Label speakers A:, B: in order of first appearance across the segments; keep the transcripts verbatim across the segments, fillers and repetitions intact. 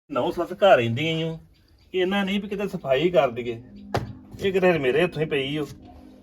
A: ਨੌ ਸੱਸ ਘਰ ਰਹਿੰਦੀਆਂ ਈ ਓ ਇਹਨਾਂ ਨਹੀਂ ਵੀ ਕਿਤੇ ਸਫਾਈ ਕਰ ਦਈਏ। ਇਹ ਕਿਤੇ ਮੇਰੇ ਹੱਥੋਂ ਹੀ ਪਈ ਓ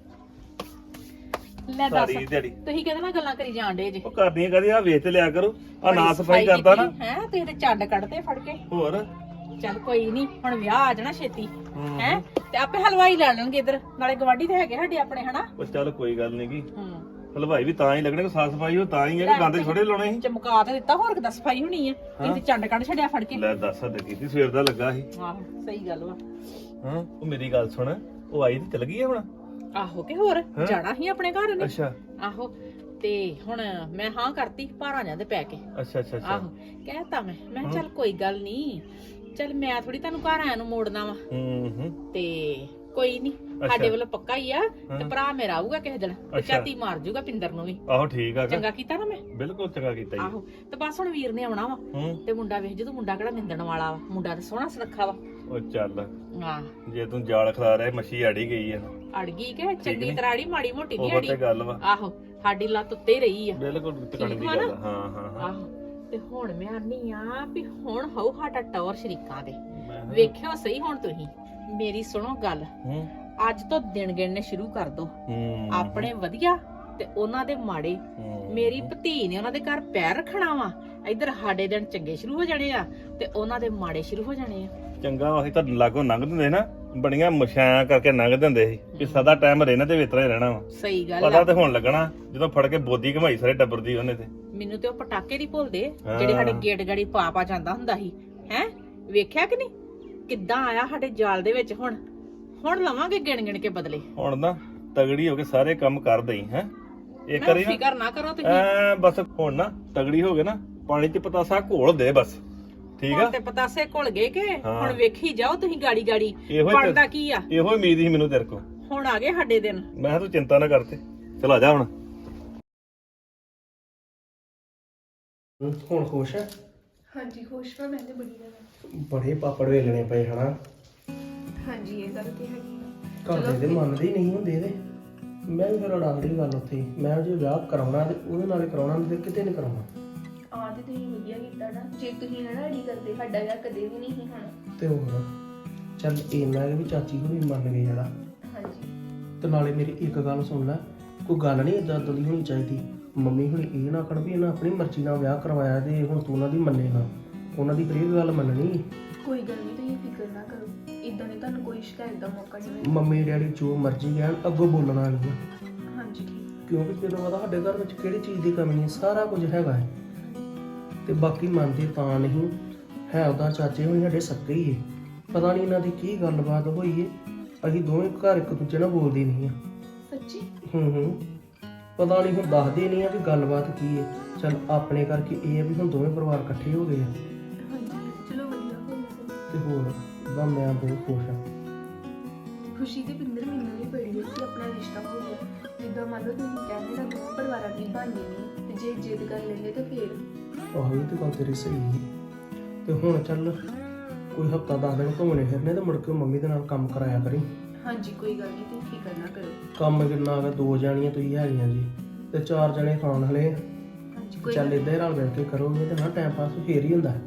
B: ਲੈ ਦੱਸ
A: ਸਾਰੀ ਦਿਹਾੜੀ।
B: ਤੁਸੀਂ ਕਿਹਦੇ ਨਾਲ ਗੱਲਾਂ ਕਰੀ ਜਾਂਦੇ ਜੇ?
A: ਉਹ ਕਰਦੀਆਂ ਕਦੀ ਆ ਵੇਚ ਤੇ ਲਿਆ ਕਰੋ ਆ ਨਾ ਸਫਾਈ ਕਰਦਾ ਨਾ
B: ਹੈ ਤੁਸੀਂ ਤੇ ਚੱਡ ਕੱਢਦੇ ਫੜ ਕੇ।
A: ਹੋਰ
B: ਚੱਲ ਕੋਈ ਨਹੀਂ, ਹੁਣ ਵਿਆਹ ਆ ਜਾਣਾ ਛੇਤੀ ਹੈ ਤੇ ਆਪੇ ਹਲਵਾਈ ਲੈ ਲੈਣਗੇ ਇਧਰ, ਨਾਲੇ ਗਵਾਂਢੀ ਤੇ ਹੈਗੇ ਸਾਡੇ ਆਪਣੇ ਹਨਾ।
A: ਉਹ ਚੱਲ ਕੋਈ ਗੱਲ ਨੀ ਗੀ
B: ਹੂੰ
A: ਹਲਵਾਈ ਵੀ ਤਾਂ ਹੀ ਲੱਗਣੇ ਕਿ ਸਾਫ ਸਫਾਈ ਹੋ ਤਾਂ ਹੀ ਹੈ ਕਿ ਗੰਦ ਥੋੜੇ ਲਾਉਣੇ ਸੀ।
B: ਚਮਕਾ ਤੇ ਦਿੱਤਾ, ਹੋਰ ਕਿਦਾਂ ਸਫਾਈ ਹੋਣੀ ਆ? ਤੁਸੀਂ ਤੇ ਚੱਡ ਕੱਢ ਛੱਡਿਆ ਫੜ ਕੇ।
A: ਲੈ ਦੱਸ ਹੱਦ ਕੀਤੀ ਸਵੇਰ ਦਾ ਲੱਗਾ ਸੀ।
B: ਆਹੋ ਸਹੀ ਗੱਲ ਵਾ।
A: ਹਾਂ ਉਹ ਮੇਰੀ ਗੱਲ ਸੁਣ, ਉਹ ਆਈ ਤੇ ਚਲ ਗਈ ਆ ਹੁਣ।
B: ਆਹੋ ਕਿ ਹੋਰ ਜਾਣਾ ਹੀ ਆਪਣੇ ਘਰ ਨੇ।
A: ਅੱਛਾ
B: ਆਹੋ ਤੇ ਹੁਣ ਮੈਂ ਹਾਂ ਕਰਤੀ ਭਾਰਾਂ ਜਾਂ ਦੇ ਪੈ ਕੇ।
A: ਅੱਛਾ ਅੱਛਾ ਅੱਛਾ
B: ਆਹੋ ਕਹਿਤਾ ਮੈਂ ਮੈਂ ਕਿਹਾ ਚੱਲ ਕੋਈ ਗੱਲ ਨਹੀਂ, ਚੱਲ ਮੈਂ ਥੋੜੀ ਤੁਹਾਨੂੰ ਘਰ ਆਇਆ ਨੂੰ ਮੋੜਨਾ ਵਾ
A: ਹੂੰ ਹੂੰ
B: ਤੇ ਕੋਈ ਨਹੀਂ ਸਾਡੇ ਵੱਲੋਂ ਪੱਕਾ ਹੀ ਆ। ਤੇ ਭਰਾ ਮੇਰਾ ਆਊਗਾ ਕਿਸੇ ਦਿਨ ਤੇ ਝਾਤੀ ਮਾਰ ਜੂਗਾ ਪਿੰਦਰ ਨੂੰ ਵੀ।
A: ਆਹੋ ਠੀਕ ਆ
B: ਚੰਗਾ ਕੀਤਾ ਨਾ ਮੈਂ।
A: ਬਿਲਕੁਲ ਚੰਗਾ ਕੀਤਾ ਜੀ।
B: ਆਹੋ ਤੇ ਬਸ ਹੁਣ ਵੀਰ ਨੇ ਆਉਣਾ ਵਾ
A: ਹੂੰ
B: ਤੇ ਮੁੰਡਾ ਵੇਖ ਜਦੋਂ ਮੁੰਡਾ ਕਿਹੜਾ ਨਿੰਦਣ ਵਾਲਾ ਵਾ, ਮੁੰਡਾ ਤਾਂ ਸੋਹਣਾ ਸੁਨੱਖਾ ਵਾ।
A: ਉਹ ਚੱਲ
B: ਆਹ
A: ਜੇ ਤੂੰ ਜਾਲ ਖਿਲਾ ਰਿਹਾ ਮੱਛੀ ਆੜੀ ਗਈ ਆ
B: ਅੜ ਗਈ ਕਿ ਚੰਗੀ ਤਰ੍ਹਾਂ ਅੜੀ, ਮਾੜੀ ਮੋਟੀ ਨਹੀਂ
A: ਉਹ
B: ਅੜੀ।
A: ਤੇ ਗੱਲ ਵਾ
B: ਆਹੋ ਸਾਡੀ ਲੱਤ ਉੱਤੇ ਹੀ ਰਹੀ ਆ।
A: ਬਿਲਕੁਲ ਟਿਕਣ ਦੀ ਗੱਲ ਆ। ਹਾਂ ਹਾਂ ਹਾਂ
B: ਆਹੋ ਤੇ ਹੁਣ ਮੈਂ ਆਨੀ ਆ ਵੀ ਹੁਣ ਹੋਊ ਸਾਡਾ ਟੌਰ ਸ਼ਰੀਕਾਂ ਦੇ।
A: ਮੈਂ-
B: ਵੇਖਿਓ ਸਹੀ ਹੁਣ ਤੁਸੀਂ ਮੇਰੀ ਸੁਣੋ ਗੱਲ,
A: ਹੂੰ
B: ਅੱਜ ਤੋਂ ਦਿਨ ਗਿਣਨੇ ਸ਼ੁਰੂ ਕਰ ਦੋ।
A: ਹੂੰ
B: ਆਪਣੇ ਵਧੀਆ ਤੇ ਉਹਨਾਂ ਦੇ ਮਾੜੇ।
A: ਹੂੰ।
B: ਮੇਰੀ ਭਤੀ ਨੇ ਉਹਨਾਂ ਦੇ ਘਰ ਪੈਰ ਰੱਖਣਾ ਵਾ, ਇੱਧਰ ਸਾਡੇ ਦਿਨ ਚੰਗੇ ਸ਼ੁਰੂ ਹੋ ਜਾਣੇ ਆ ਤੇ ਉਹਨਾਂ ਦੇ ਮਾੜੇ ਸ਼ੁਰੂ ਹੋ ਜਾਣੇ ਆ।
A: ਚੰਗਾ ਅਸੀਂ ਤਾਂ ਲਾਗੋਂ ਲੰਘ ਦਿੰਦੇ ਨਾ, ਬੜੀਆਂ ਮਸ਼ਾਂ ਕਰਕੇ ਲੰਘ ਦਿੰਦੇ ਸੀ ਕਿ ਸਦਾ ਟਾਈਮ ਰਹਿਣਾ ਤੇ ਵਿਤਰਾ ਹੀ ਰਹਿਣਾ ਵਾ।
B: ਸਹੀ ਗੱਲ
A: ਪਤਾ
B: ਆ।
A: ਤੇ ਹੁਣ ਲੱਗਣਾ ਜਦੋਂ ਫੜ ਕੇ ਬੋਦੀ ਘਮਾਈ ਸਾਰੇ ਟੱਬਰ ਦੀ ਉਹਨੇ ਤੇ।
B: ਮੈਨੂੰ ਤੇ ਉਹ ਪਟਾਕੇ ਨਹੀਂ ਭੁੱਲਦੇ
A: ਹਾਂ।
B: ਜਿਹੜੇ ਸਾਡੇ ਗੇਟ ਗਾੜੀ ਪਾ ਪਾ ਜਾਂਦਾ ਹੁੰਦਾ ਸੀ। ਹੈ ਵੇਖਿਆ ਕਿ ਨਹੀਂ ਕਿੱਦਾਂ ਆਇਆ ਸਾਡੇ ਜਾਲ ਦੇ ਵਿੱਚ। ਹੁਣ ਹੁਣ ਲਵਾਂਗੇ ਗਿਣ ਗਿਣ ਕੇ ਬਦਲੇ।
A: ਹੁਣ ਨਾ ਤਗੜੀ ਹੋ ਕੇ ਸਾਰੇ ਕੰਮ ਕਰ ਦਈ ਹੈ ਇੱਕ
B: ਨਾ
A: ਵਾਰੀ ਨਾ
B: ਫਿਕਰ ਨਾ ਕਰੋ ਤੁਸੀਂ।
A: ਐ ਬਸ ਹੁਣ ਨਾ ਤਗੜੀ ਹੋ ਕੇ ਨਾ ਪਾਣੀ ਚ ਪਤਾਸਾ ਘੋਲ ਦੇ ਬਸ, ਠੀਕ ਆ।
B: ਹੁਣ ਤੇ ਪਤਾਸੇ ਘੁਲ ਗਏ ਕਿ
A: ਹਾਂ।
B: ਹੁਣ ਵੇਖੀ ਜਾਓ ਤੁਸੀਂ ਗਾੜੀ ਗਾੜੀ
A: ਇਹੋ ਹੀ
B: ਬਣਦਾ
A: ਤੇ-
B: ਕੀ ਆ।
A: ਇਹੋ ਹੀ ਉਮੀਦ ਸੀ ਮੈਨੂੰ ਤੇਰੇ ਕੋ।
B: ਹੁਣ ਆ ਗਏ ਸਾਡੇ ਦਿਨ।
A: ਮੈਂ ਕਿਹਾ ਤੂੰ ਚਿੰਤਾ ਨਾ ਕਰਤੇ, ਚਲ ਆ ਜਾ ਹੁਣ।
C: ਹੁਣ ਖੁਸ਼ ਹੈ?
D: ਹਾਂਜੀ ਖੁਸ਼ ਹਾਂ ਮੈਂ ਤੇ ਬੜੀ ਜ਼ਿਆਦਾ।
C: ਬੜੇ ਪਾਪੜ ਵੇਲਣੇ ਪਏ ਹਨਾ।
D: ਹਾਂਜੀ ਇਹ ਗੱਲ ਤੇ ਹੈਗੀ ਆ।
C: ਘਰ ਦੇ ਤੇ ਮੰਨਦੇ ਹੀ ਨਹੀਂ ਹੁੰਦੇ ਇਹਦੇ। ਮੈਂ ਵੀ ਫਿਰ ਉਡਾਉਂਦੀ ਗੱਲ ਉੱਥੇ ਹੀ। ਮੈਂ ਜੇ ਵਿਆਹ ਕਰਾਉਣਾ ਤੇ ਉਹਦੇ ਨਾਲ ਹੀ ਕਰਾਉਣਾ, ਨਹੀਂ ਤੇ ਕਿਤੇ ਨਹੀਂ ਕਰਾਉਣਾ।
D: ਆ ਤੇ ਤੁਸੀਂ ਵਧੀਆ ਕੀਤਾ ਨਾ, ਜੇ ਤੁਸੀਂ ਨਾ ਅੜੀ ਕਰਦੇ ਸਾਡਾ ਵਿਆਹ ਕਦੇ ਵੀ ਨਹੀਂ ਸੀ ਹੋਣਾ।
C: ਤੇ ਹੋਰ ਚੱਲ ਇੰਨਾ ਕਿ ਵੀ ਚਾਚੀ ਨੂੰ ਵੀ ਮੰਨ ਗਏ ਜਿਹੜਾ।
D: ਹਾਂਜੀ
C: ਤੇ ਨਾਲੇ ਮੇਰੀ ਇੱਕ ਗੱਲ ਸੁਣ ਲੈ, ਕੋਈ ਗੱਲ ਨਹੀਂ ਏਦਾਂ ਦੀ ਹੋਣੀ ਚਾਹੀਦੀ। ਮੰਮੀ ਹੁਣ ਇਹ ਨਾ ਆਖਣ ਵੀ ਇਹਨਾਂ ਆਪਣੀ ਮਰਜ਼ੀ ਨਾਲ ਵਿਆਹ ਕਰਵਾਇਆ ਤੇ ਹੁਣ ਤੂੰ ਉਹਨਾਂ ਦੀ ਮੰਨੇ ਨਾ। ਉਹਨਾਂ ਦੀ ਹਰੇਕ ਗੱਲ ਮੰਨਣੀ।
D: ਕੋਈ ਗੱਲ ਨਹੀਂ, ਤੁਸੀਂ ਫਿਕਰ ਨਾ ਕਰੋ, ਇਦਾਂ ਨਹੀਂ ਤੁਹਾਨੂੰ ਕੋਈ ਸ਼ਿਕਾਇਤ ਦਾ ਮੌਕਾ ਨਹੀਂ।
C: ਮੰਮੀ ਡੈਡੀ ਜੋ ਮਰਜ਼ੀ ਕਹਿਣ ਅੱਗੋਂ ਬੋਲਣਾ ਨਹੀਂ।
D: ਹਾਂਜੀ ਠੀਕ।
C: ਕਿਉਂਕਿ ਤੈਨੂੰ ਪਤਾ ਸਾਡੇ ਘਰ ਵਿੱਚ ਕਿਹੜੀ ਚੀਜ਼ ਦੀ ਕਮੀ ਨਹੀਂ, ਸਾਰਾ ਕੁਝ ਹੈਗਾ ਹੈ। ਤੇ ਬਾਕੀ ਮੰਨਦੇ ਤਾਂ ਨਹੀਂ ਹੈ, ਉਹਦਾ ਚਾਚੇ ਹੋਣੀ ਸਾਡੇ ਸੱਕੇ ਹੀ ਹੈ। ਪਤਾ ਨਹੀਂ ਇਹਨਾਂ ਦੀ ਕੀ ਗੱਲਬਾਤ ਹੋਈ ਹੈ, ਅਸੀਂ ਦੋਵੇਂ ਘਰ ਇੱਕ ਦੂਜੇ ਨਾਲ ਬੋਲਦੇ ਨਹੀਂ ਆ।
D: ਸੱਚੀ?
C: ਹੂੰ ਹੂੰ ਪਤਾ ਨਹੀਂ ਹੁਣ ਦੱਸਦੇ ਨਹੀਂ ਆ ਵੀ ਗੱਲਬਾਤ ਕੀ ਹੈ। ਚੱਲ ਆਪਣੇ ਕਰਕੇ ਇਹ ਹੈ ਵੀ ਹੁਣ ਦੋਵੇਂ ਪਰਿਵਾਰ ਇਕੱਠੇ ਹੋ ਗਏ ਆ।
D: ਹਾਂਜੀ ਚਲੋ ਵਧੀਆ ਹੋ ਗਿਆ।
C: ਤੇ ਹੋਰ ਬਾ ਮੈਂ ਬਹੁਤ ਖੁਸ਼ ਹਾਂ।
D: ਖੁਸ਼ੀ ਤੇ ਪਿੰਦਰ ਮੈਨੂੰ ਵੀ ਬੜੀ ਹੈ ਕਿ ਆਪਣਾ ਰਿਸ਼ਤਾ ਹੋ ਗਿਆ। ਜਿੱਦਾਂ ਮੰਨ ਲਓ ਤੁਸੀਂ ਕਹਿੰਦੇ ਨਾ ਦੋਵਾਂ ਪਰਿਵਾਰਾਂ ਦੀ ਬਣਨੀ ਨਹੀਂ, ਤੇ ਜੇ ਜਿੱਦ ਕਰ ਲੈਂਦੇ ਤਾਂ ਫੇਰ।
C: ਆਹੋ ਇਹ ਤੇ ਗੱਲ ਤੇਰੀ ਸਹੀ ਹੈ। ਤੇ ਹੁਣ ਚੱਲ ਕੋਈ ਹਫਤਾ ਦਸ ਦਿਨ ਘੁੰਮਣੇ ਫਿਰਨੇ ਤੇ ਮੁੜ ਕੇ ਮੰਮੀ ਦੇ ਨਾਲ ਕੰਮ ਕਰਾਇਆ ਕਰੀ।
D: ਹਾਂਜੀ ਕੋਈ ਗੱਲ ਨਹੀਂ, ਤੁਸੀਂ ਫਿਕਰ ਨਾ ਕਰੋ।
C: ਕੰਮ ਕਿੰਨਾ ਆ ਗਿਆ, ਦੋ ਜਾਣੀਆਂ ਤੁਸੀਂ ਹੈਗੀਆਂ ਜੀ ਤੇ ਚਾਰ ਜਣੇ ਖਾਣ ਵਾਲੇ।
D: ਹਾਂਜੀ ਕੋਈ
C: ਚੱਲ
D: ਗੱਲ
C: ਇਦਾਂ ਹੀ ਰਲ ਮਿਲ ਕੇ ਕਰੋਗੇ ਤੇ ਨਾ ਟਾਈਮ ਪਾਸ ਫੇਰ ਹੀ ਹੁੰਦਾ।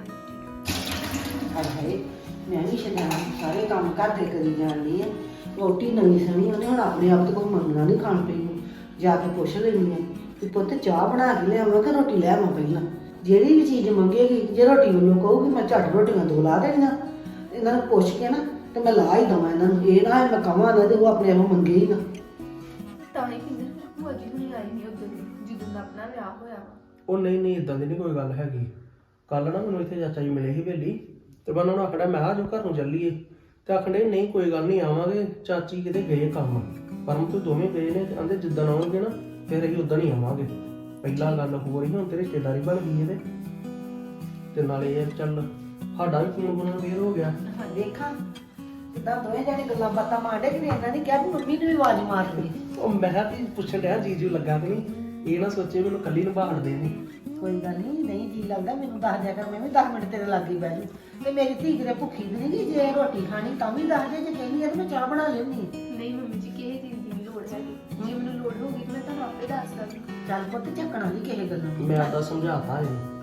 D: ਹਾਂਜੀ
E: ਹਾਏ ਮੈਂ ਵੀ ਸ਼ਦਾਨ ਸਾਰੇ ਕੰਮ ਘਰ ਦੇ ਕਰੀ ਜਾਂਦੀ ਆ। ਰੋਟੀ ਨਵੀਂ ਸਣੀ ਉਹਨੇ ਹੁਣ ਆਪਣੇ ਆਪ ਤੋਂ ਕੋਈ ਮੰਗਣਾ ਨਹੀਂ ਖਾਣ ਪੀਣ ਨੂੰ। ਜਾ ਕੇ ਪੁੱਛ ਲੈਂਦੀ ਆ ਕਿ ਪੁੱਤ ਚਾਹ ਬਣਾ ਕੇ ਲਿਆਵਾਂ ਕਿ ਰੋਟੀ ਲੈ ਆਵਾਂ ਪਹਿਲਾਂ। ਜਿਹੜੀ ਵੀ ਚੀਜ਼ ਮੰਗੇਗੀ, ਜੇ ਰੋਟੀ ਮੈਨੂੰ ਕਹੂਗੀ ਮੈਂ ਝੱਟ ਰੋਟੀਆਂ ਦੋ ਲਾ ਦੇਣੀਆਂ। ਇਹਨਾਂ ਨੂੰ ਪੁੱਛ ਕੇ ਨਾ ਤੇ ਮੈਂ ਲਾ ਹੀ ਦੇਵਾਂ ਇਹਨਾਂ ਨੂੰ। ਇਹ ਨਾ ਮੈਂ ਕਹਾਂ ਨਾ ਤੇ ਉਹ ਆਪਣੇ ਆਪ ਮੰਗੇ ਹੀ ਨਾ।
D: ਤਾਂ ਹੀ ਪਿੰਦਰ ਭੂਆ ਜੀ ਹੁਣੀ ਆਈ ਨਹੀਂ ਉਦੋਂ ਦੀ ਜਦੋਂ ਦਾ ਆਪਣਾ ਵਿਆਹ ਹੋਇਆ ਵਾ।
C: ਉਹ ਨਹੀਂ ਨਹੀਂ ਇਦਾਂ ਦੀ ਨਹੀਂ ਕੋਈ ਗੱਲ ਹੈਗੀ। ਕੱਲ ਨਾ ਮੈਨੂੰ ਇੱਥੇ ਚਾਚਾ ਜੀ ਮਿਲੇ ਸੀ ਵੇਲੀ ਤੇ ਮੈਂ ਉਹਨਾਂ ਨੂੰ ਆਖੜਾ ਮੈਂ ਆ ਜੋ ਘਰ ਨੂੰ ਚੱਲੀਏ ਤੇ ਆਖੜੇ ਨਹੀਂ ਕੋਈ ਗੱਲ ਨਹੀਂ ਆਵਾਂਗੇ, ਚਾਚੀ ਕਿਤੇ ਗਏ ਕੰਮ ਪਰਮ ਤੋਂ ਦੋਵੇਂ ਗਏ ਨੇ ਤੇ ਆਂਦੇ ਜਿੱਦਣ ਆਉਣਗੇ ਨਾ ਫਿਰ ਅਸੀਂ ਉਦੋਂ ਹੀ ਆਵਾਂਗੇ। ਪਹਿਲਾਂ ਗੱਲ ਹੋ ਰਹੀ ਹੁਣ ਤੇ ਰਿਸ਼ਤੇਦਾਰੀ ਬਣ ਗਈ ਇਹਦੇ ਤੇ ਨਾਲੇ ਇਹ ਚੱਲ ਸਾਡਾ ਵੀ ਫੋਨ ਬਣਾ ਫੇਰ ਹੋ ਗਿਆ।
E: ਦੇਖਾਂ ਕਿੱਦਾਂ ਦੋਵੇਂ ਜਾਣੇ ਗੱਲਾਂ ਬਾਤਾਂ ਮਾਰਦੇ ਕਿ ਇਹਨਾਂ ਨੇ ਕਿਹਾ ਵੀ ਮੰਮੀ ਨੂੰ ਵੀ ਆਵਾਜ਼ ਮਾਰ ਦੇ।
C: ਉਹ ਮੈਂ ਕਿਹਾ ਵੀ ਪੁੱਛਣ ਡਿਆ ਜੀਜੂ ਲੱਗਾ ਕਿ ਨਹੀਂ, ਇਹ ਨਾ ਸੋਚੇ ਮੈਨੂੰ ਕੱਲੀ ਨੂੰ ਬਾਹਰ ਦੇ ਨਹੀਂ।
E: ਕੋਈ ਗੱਲ ਨਹੀਂ, ਨਹੀਂ ਜੀ ਲੱਗਦਾ ਮੈਨੂੰ ਦੱਸ ਦਿਆ ਕਰ, ਮੈਂ ਵੀ ਦਸ ਮਿੰਟ ਤੇਰੇ ਲਾਗੇ ਬਹਿ ਜੂ। ਤੇ ਮੇਰੀ ਧੀ ਕਿਤੇ ਭੁੱਖੀ ਵੀ ਨਹੀਂ ਗੀ, ਜੇ ਰੋਟੀ ਖਾਣੀ ਤਾਂ ਵੀ ਦੱਸ ਦੇ, ਜੇ ਕਹਿੰਦੀ ਆ ਤੇ ਮੈਂ ਚਾਹ ਬਣਾ ਲੈਣੀ।
D: ਨਹੀਂ ਮੰਮੀ ਜੀ ਕਿਸੇ ਚੀਜ਼ ਦੀ ਨਹੀਂ ਲੋੜ ਹੈਗੀ, ਜੇ ਮੈਨੂੰ ਲੋੜ ਹੋਊਗੀ ਤਾਂ ਮੈਂ ਤੁਹਾਨੂੰ ਆਪੇ ਦੱਸ ਦਾਂਗੀ।
E: ਚੱਲ ਪੁੱਤ ਝੱਕਣਾ ਨਹੀਂ ਕਿਸੇ ਗੱਲੋਂ।
C: ਮੈਂ ਤਾਂ ਸਮਝਾਤਾ ਇਹਨੂੰ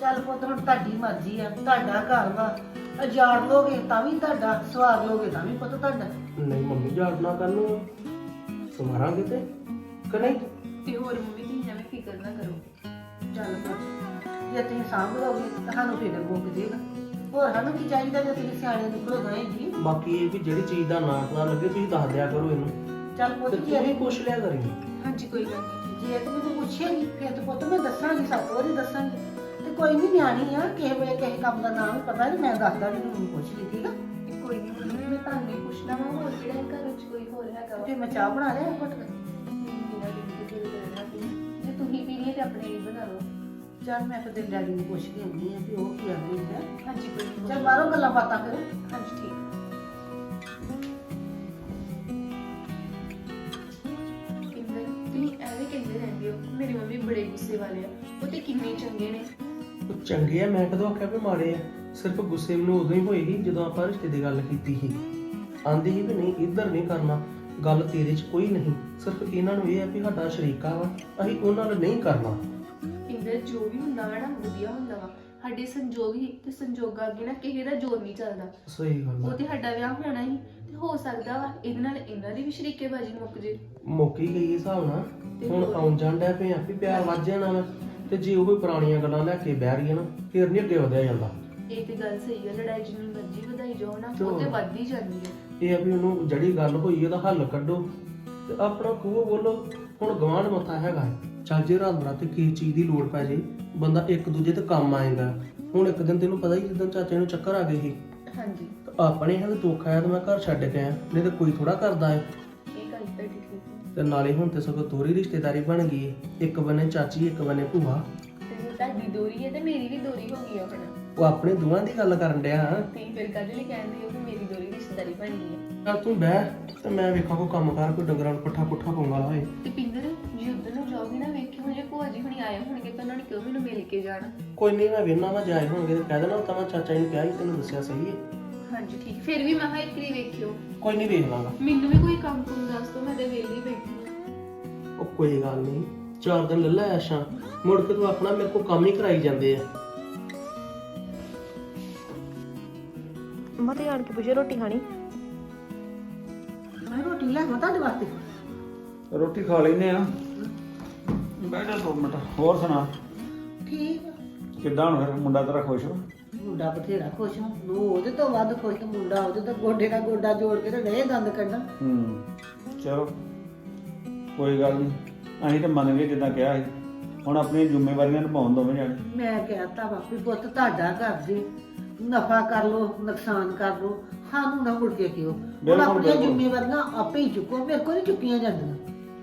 E: ਚੱਲ ਪੁੱਤ ਹੁਣ ਤੁਹਾਡੀ ਮਰਜ਼ੀ ਆ, ਤੁਹਾਡਾ ਘਰ ਵਾ, ਉਜਾੜ ਲੋਗੇ ਤਾਂ ਵੀ ਤੁਹਾਡਾ, ਸਵਾਰ ਲੋਗੇ ਤਾਂ ਵੀ ਪੁੱਤ ਤੁਹਾਡਾ।
C: ਨਹੀਂ ਮੰਮੀ ਜਾੜਨਾ ਕਰ ਨੂੰ ਸਮਾਰਾਂਗੇ ਤੇ ਕਿ ਨਹੀਂ?
D: ਤੇ ਹੋਰ ਮੰਮੀ ਤੁਸੀਂ ਐਵੇਂ ਫਿਕਰ ਨਾ ਕਰੋ।
E: ਚੱਲ ਪੁੱਤ ਜੇ ਤੁਸੀਂ ਸਾਂਭ ਲਓਗੇ ਤਾਂ ਸਾਨੂੰ ਫਿਕਰ ਮੁੱਕ ਜੇਗਾ। ਹੋਰ ਸਾਨੂੰ ਕੀ ਚਾਹੀਦਾ ਜੇ ਤੁਸੀਂ ਸਿਆਣੇ ਨਿਕਲੋ ਗਏ ਜੀ।
C: ਬਾਕੀ ਇਹ ਵੀ ਜਿਹੜੀ ਚੀਜ਼ ਦਾ ਨਾਂ ਪਤਾ ਲੱਗੇ ਤੁਸੀਂ ਦੱਸ ਦਿਆ ਕਰੋ ਇਹਨੂੰ,
E: ਚੱਲ ਪੁੱਤ
C: ਤੇ
E: ਜੇ
C: ਤੂੰ ਵੀ ਪੁੱਛ ਲਿਆ ਕਰੀ।
D: ਹਾਂਜੀ ਕੋਈ ਗੱਲ ਨਹੀਂ।
E: ਜੇ ਤੂੰ ਮੈਨੂੰ ਪੁੱਛੇਗੀ ਫਿਰ ਤੇ ਪੁੱਤ ਮੈਂ ਦੱਸਾਂਗੀ, ਸੱਤ ਵਾਰੀ ਦੱਸਾਂਗੀ। ਤੇ ਕੋਈ ਨਹੀਂ ਨਿਆਣੀ ਆ, ਕਿਸੇ ਵੇਲੇ ਕਿਸੇ ਕੰਮ ਦਾ ਨਾਮ ਵੀ ਪਤਾ ਨਹੀਂ, ਮੈਂ ਦੱਸਦਾ ਵੀ ਤੂੰ ਪੁੱਛ ਲਈ, ਠੀਕ ਆ?
D: ਤੇ ਕੋਈ ਨਹੀਂ ਮੰਮੀ, ਮੈਂ ਤੁਹਾਨੂੰ ਹੀ ਪੁੱਛਣਾ ਵਾ, ਹੋਰ ਕਿਹੜਾ ਹੈ ਘਰ ਵਿੱਚ ਕੋਈ ਹੋਰ ਹੈਗਾ ਵਾ?
E: ਫਿਰ ਮੈਂ ਚਾਹ ਬਣਾ ਲਿਆ ਘੁੱਟ ਕੇ।
D: ਬਿਨਾਂ ਦੀਦੀ ਦੇ ਦਿਲ ਕਰਨਾ ਪੀ, ਜੇ ਤੁਸੀਂ ਪੀਣੀ ਹੈ ਤੇ ਆਪਣੇ ਲਈ ਬਣਾ ਲਓ।
E: ਚੱਲ ਮੈਂ ਫਿਰ ਤੇਰੇ ਡੈਡੀ ਨੂੰ ਪੁੱਛ ਕੇ ਆਉਂਦੀ ਆ ਵੀ ਉਹ ਕੀ ਆਂਦੇ ਹੈ।
D: ਹਾਂਜੀ ਕੋਈ ਨਹੀਂ।
E: ਚੱਲ ਬਾਹਰੋਂ ਗੱਲਾਂ ਬਾਤਾਂ ਕਰੋ।
D: ਹਾਂਜੀ ਠੀਕ। ਇੰਦਰ ਤੁਸੀਂ ਐਵੇਂ ਕਹਿੰਦੇ ਰਹਿੰਦੇ ਹੋ, ਮੇਰੀ ਮੰਮੀ ਬੜੇ ਗੁੱਸੇ ਵਾਲੇ ਆ, ਉਹ ਤੇ ਕਿੰਨੇ ਚੰਗੇ ਨੇ।
C: ਉਹ ਚੰਗੇ ਆ, ਮੈਂ ਕਦੋਂ ਆਖਿਆ ਵੀ ਮਾੜੇ ਆ? ਸਿਰਫ ਗੁੱਸੇ ਮੈਨੂੰ ਉਦੋਂ ਹੀ ਹੋਈ ਸੀ ਜਦੋਂ ਆਪਾਂ ਰਿਸ਼ਤੇ ਦੀ ਗੱਲ ਕੀਤੀ ਸੀ। ਆਂਦੀ ਸੀ ਵੀ ਨਹੀਂ ਇੱਧਰ ਨਹੀਂ ਕਰਨਾ, ਗੱਲ ਤੇਰੇ 'ਚ ਕੋਈ ਨਹੀਂ, ਸਿਰਫ ਇਹਨਾਂ ਨੂੰ ਇਹ ਆ ਵੀ ਸਾਡਾ ਸ਼ਰੀਕਾ ਵਾ, ਅਸੀਂ ਉਹਨਾਂ ਨਾਲ ਨਹੀਂ ਕਰਨਾ।
D: ਇੰਦਰ ਜੋ ਵੀ ਹੁੰਦਾ ਵਾ ਨਾ ਵਧੀਆ ਹੁੰਦਾ ਵਾ, ਸਾਡੇ ਸੰਜੋਗ ਹੀ ਤੇ ਸੰਜੋਗਾਂ ਅੱਗੇ ਨਾ ਕਿਸੇ ਦਾ ਜ਼ੋਰ ਨਹੀਂ ਚੱਲਦਾ।
C: ਸਹੀ ਗੱਲ
D: ਉਹ
C: ਆ।
D: ਤੇ ਸਾਡਾ ਵਿਆਹ ਹੋਣਾ ਹੀ ਤੇ ਹੋ ਸਕਦਾ ਵਾ ਇਹਦੇ ਨਾਲ ਇਹਨਾਂ ਦੀ ਵੀ ਸ਼ਰੀਕੇਬਾਜ਼ੀ ਮੁੱਕ ਜੇ।
C: ਮੁੱਕੀ ਗਈ ਹਿਸਾਬ ਨਾਲ, ਹੁਣ ਆਉਣ ਜਾਣ ਡਿਆ ਪਿਆ ਵੀ ਪਿਆਰ ਵੱਧ ਜਾਣਾ ਵਾ, ਤੇ ਜੇ ਉਹ ਕੋਈ ਪੁਰਾਣੀਆਂ ਗੱਲਾਂ ਲੈ ਕੇ ਬਹਿ ਰਹੀਆਂ ਨਾ ਫਿਰ ਨਹੀਂ ਅੱਗੇ ਵਧਿਆ ਜਾਂਦਾ।
D: ਇਹ ਤੇ ਗੱਲ ਸਹੀ ਹੈ, ਲੜਾਈ ਜਿੰਨੀ ਮਰਜ਼ੀ ਵਧਾਈ ਜਾਓ ਨਾ
C: ਚਲੋ।
D: ਉਹ ਤੇ ਵੱਧ ਹੀ ਜਾਂਦੀ ਹੈ।
C: ਇਹ ਆ ਵੀ ਉਹਨੂੰ ਜਿਹੜੀ ਗੱਲ ਹੋਈ ਉਹਦਾ ਹੱਲ ਕੱਢੋ ਤੇ ਆਪਣਾ ਖੂਹ ਬੋਲੋ। ਹੁਣ ਗਵਾਂਢ ਮੱਥਾ ਹੈਗਾ ਹੈ। ਚੱਲ ਜੇ ਰਾਤ ਬਰਾਤੇ ਕਿਸੇ ਚੀਜ਼ ਦੀ ਲੋੜ ਪੈ ਜੇ ਬੰਦਾ ਇੱਕ ਦੂਜੇ ਤੇ ਕੰਮ ਆਏਗਾ। ਹੁਣ ਇੱਕ ਦਿਨ ਤੈਨੂੰ ਪਤਾ ਹੀ ਜਿੱਦਾਂ ਚਾਚੇ ਨੂੰ ਚੱਕਰ ਆ ਗਏ ਸੀ,
D: ਹਾਂਜੀ
C: ਤਾਂ ਆਪਣੇ ਹੱਥ ਦੁੱਖ ਆਇਆ ਤਾਂ ਮੈਂ ਘਰ ਛੱਡ ਕੇ ਆਇਆ, ਨਹੀਂ ਤਾਂ ਕੋਈ ਥੋੜਾ ਕਰਦਾ ਹੈ।
D: ਇਹ ਗੱਲ ਤਾਂ ਠੀਕ ਹੈ।
C: ਤੇ ਨਾਲੇ ਹੁਣ ਤੇ ਸਗੋਂ ਦੋਹਰੀ ਰਿਸ਼ਤੇਦਾਰੀ ਬਣ ਗਈ ਹੈ, ਇੱਕ ਬੰਨੇ ਚਾਚੀ ਇੱਕ ਬੰਨੇ ਭੂਆ।
D: ਤੇ ਜੇ ਤੁਹਾਡੀ ਦੋਰੀ ਹੈ ਤੇ ਮੇਰੀ ਵੀ ਦੋਰੀ ਹੋ ਗਈ ਆ ਹੁਣ।
C: ਉਹ ਆਪਣੇ ਦੋਵਾਂ ਦੀ ਗੱਲ ਕਰਨ ਡਿਆ।
D: ਤੁਸੀਂ ਫਿਰ ਕਾਹਦੇ ਲਈ ਕਹਿੰਦੇ ਹੋ ਕਿ ਮੇਰੀ ਦੋਰੀ ਰਿਸ਼ਤੇਦਾਰੀ ਬਣੀ ਹੈ?
C: ਚੱਲ ਤੂੰ ਬਹਿ ਤੇ ਮੈਂ ਵੇਖਾਂ ਕੋਈ ਕੰਮ ਕਰ, ਕੋਈ ਡੰਗਰਾਂ ਨੂੰ ਪੱਠਾ ਪੁੱਠਾ ਪਾਉਣ ਵਾਲਾ ਹੋਏ।
D: ਤੇ ਪਿੰਦਰ ਜੇ ਉਧਰ ਨੂੰ ਜਾਓਗੇ ਨਾ ਵੇਖਿਓ ਜੇ ਭੂਆ ਜੀ ਹੁਣੀ ਆਏ ਹੋਣਗੇ ਤਾਂ ਉਹਨਾਂ ਨੇ ਕਿਉਂ ਮੈਨੂੰ ਮਿਲ ਕੇ ਜਾਣਾ।
C: ਕੋਈ ਨਹੀਂ ਮੈਂ ਵੇਖਣਾ ਵਾ ਜਾਏ ਹੋਣਗੇ ਤੇ ਕਹਿ ਦੇਣਾ ਤਾਂ ਮੈਂ ਚਾਚਾ ਜੀ ਨੂੰ ਕਿਹਾ ਸੀ ਤੈਨੂੰ ਦੱਸਿਆ ਸਹੀ ਹੈ।
D: ਹਾਂਜੀ ਠੀਕ, ਫਿਰ ਵੀ ਮੈਂ ਹਾਂ ਇੱਕ ਵਾਰੀ ਵੇਖਿਓ।
C: ਕੋਈ ਨਹੀਂ ਵੇਖ ਲਾਂਗਾ।
D: ਮੈਨੂੰ ਵੀ ਕੋਈ ਕੰਮ ਕੁਮ ਦੱਸ ਦੋ, ਮੈਂ ਤੇ ਵਿਹਲੀ ਬੈਠੀ ਹਾਂ।
C: ਉਹ ਕੋਈ ਗੱਲ ਨਹੀਂ, ਚਾਰ ਦਿਨ ਲੈ ਲੈ ਆਸ਼ਾ, ਮੁੜ ਕੇ ਤੂੰ ਆਪਣਾ ਮੇਰੇ ਕੋਲ ਕੰਮ ਹੀ ਕਰਾਈ ਜਾਂਦੇ ਆ।
F: ਮਤੇ ਆਣ ਕੇ ਪੁੱਛੇ ਰੋਟੀ ਖਾਣੀ?
E: ਮੈਂ ਰੋਟੀ ਲਿਆਵਾਂ ਤੁਹਾਡੇ ਵਾਸਤੇ?
A: ਰੋਟੀ ਖਾ ਲੈਨੇ ਆ, ਬੈਠ ਜਾ ਦੋ ਮਿੰਟ। ਹੋਰ ਸੁਣਾ
E: ਠੀਕ ਆ।
A: ਕਿੱਦਾਂ ਹੁਣ ਫਿਰ ਮੁੰਡਾ ਤੇਰਾ ਖੁਸ਼ ਹੋ?
E: ਮੁੰਡਾ ਬਥੇਰਾ ਖੁਸ਼ ਹਾਂ, ਨੂੰ ਉਹਦੇ ਤੋਂ ਵੱਧ ਖੁਸ਼ ਤੇ ਮੁੰਡਾ ਉਹਦੇ ਤੋਂ ਗੋਡੇ ਨਾਲ ਗੋਡਾ ਜੋੜ ਕੇ ਤੇ ਡੇ ਦੰਦ ਕੱਢਣ।
A: ਹੂੰ ਚਲੋ ਕੋਈ ਗੱਲ ਨਹੀਂ, ਅਸੀਂ ਤਾਂ ਮੰਨ ਗਏ ਜਿੱਦਾਂ ਕਿਹਾ ਸੀ। ਹੁਣ ਆਪਣੀਆਂ ਜ਼ਿੰਮੇਵਾਰੀਆਂ ਨਿਭਾਉਣ ਦੋਵੇਂ ਜਾਣੇ।
E: ਮੈਂ ਕਹਿਤਾ ਵਾ ਵੀ ਪੁੱਤ ਤੁਹਾਡਾ ਘਰ ਜੀ, ਨਫਾ ਕਰ ਲੋ ਨੁਕਸਾਨ ਕਰ ਲੋ, ਸਾਨੂੰ ਨਾ ਮੁੜ ਕੇ ਕਿਉਂ। ਹੁਣ
A: ਬਿਲਕੁਲ,
E: ਆਪਣੀਆਂ
A: ਬਿਲਕੁਲ।
E: ਜ਼ਿੰਮੇਵਾਰੀਆਂ ਆਪੇ ਹੀ ਚੁੱਕੋ, ਮੇਰੇ ਕੋਲ ਨਹੀਂ ਚੁੱਕੀਆਂ ਜਾਂਦੀਆਂ।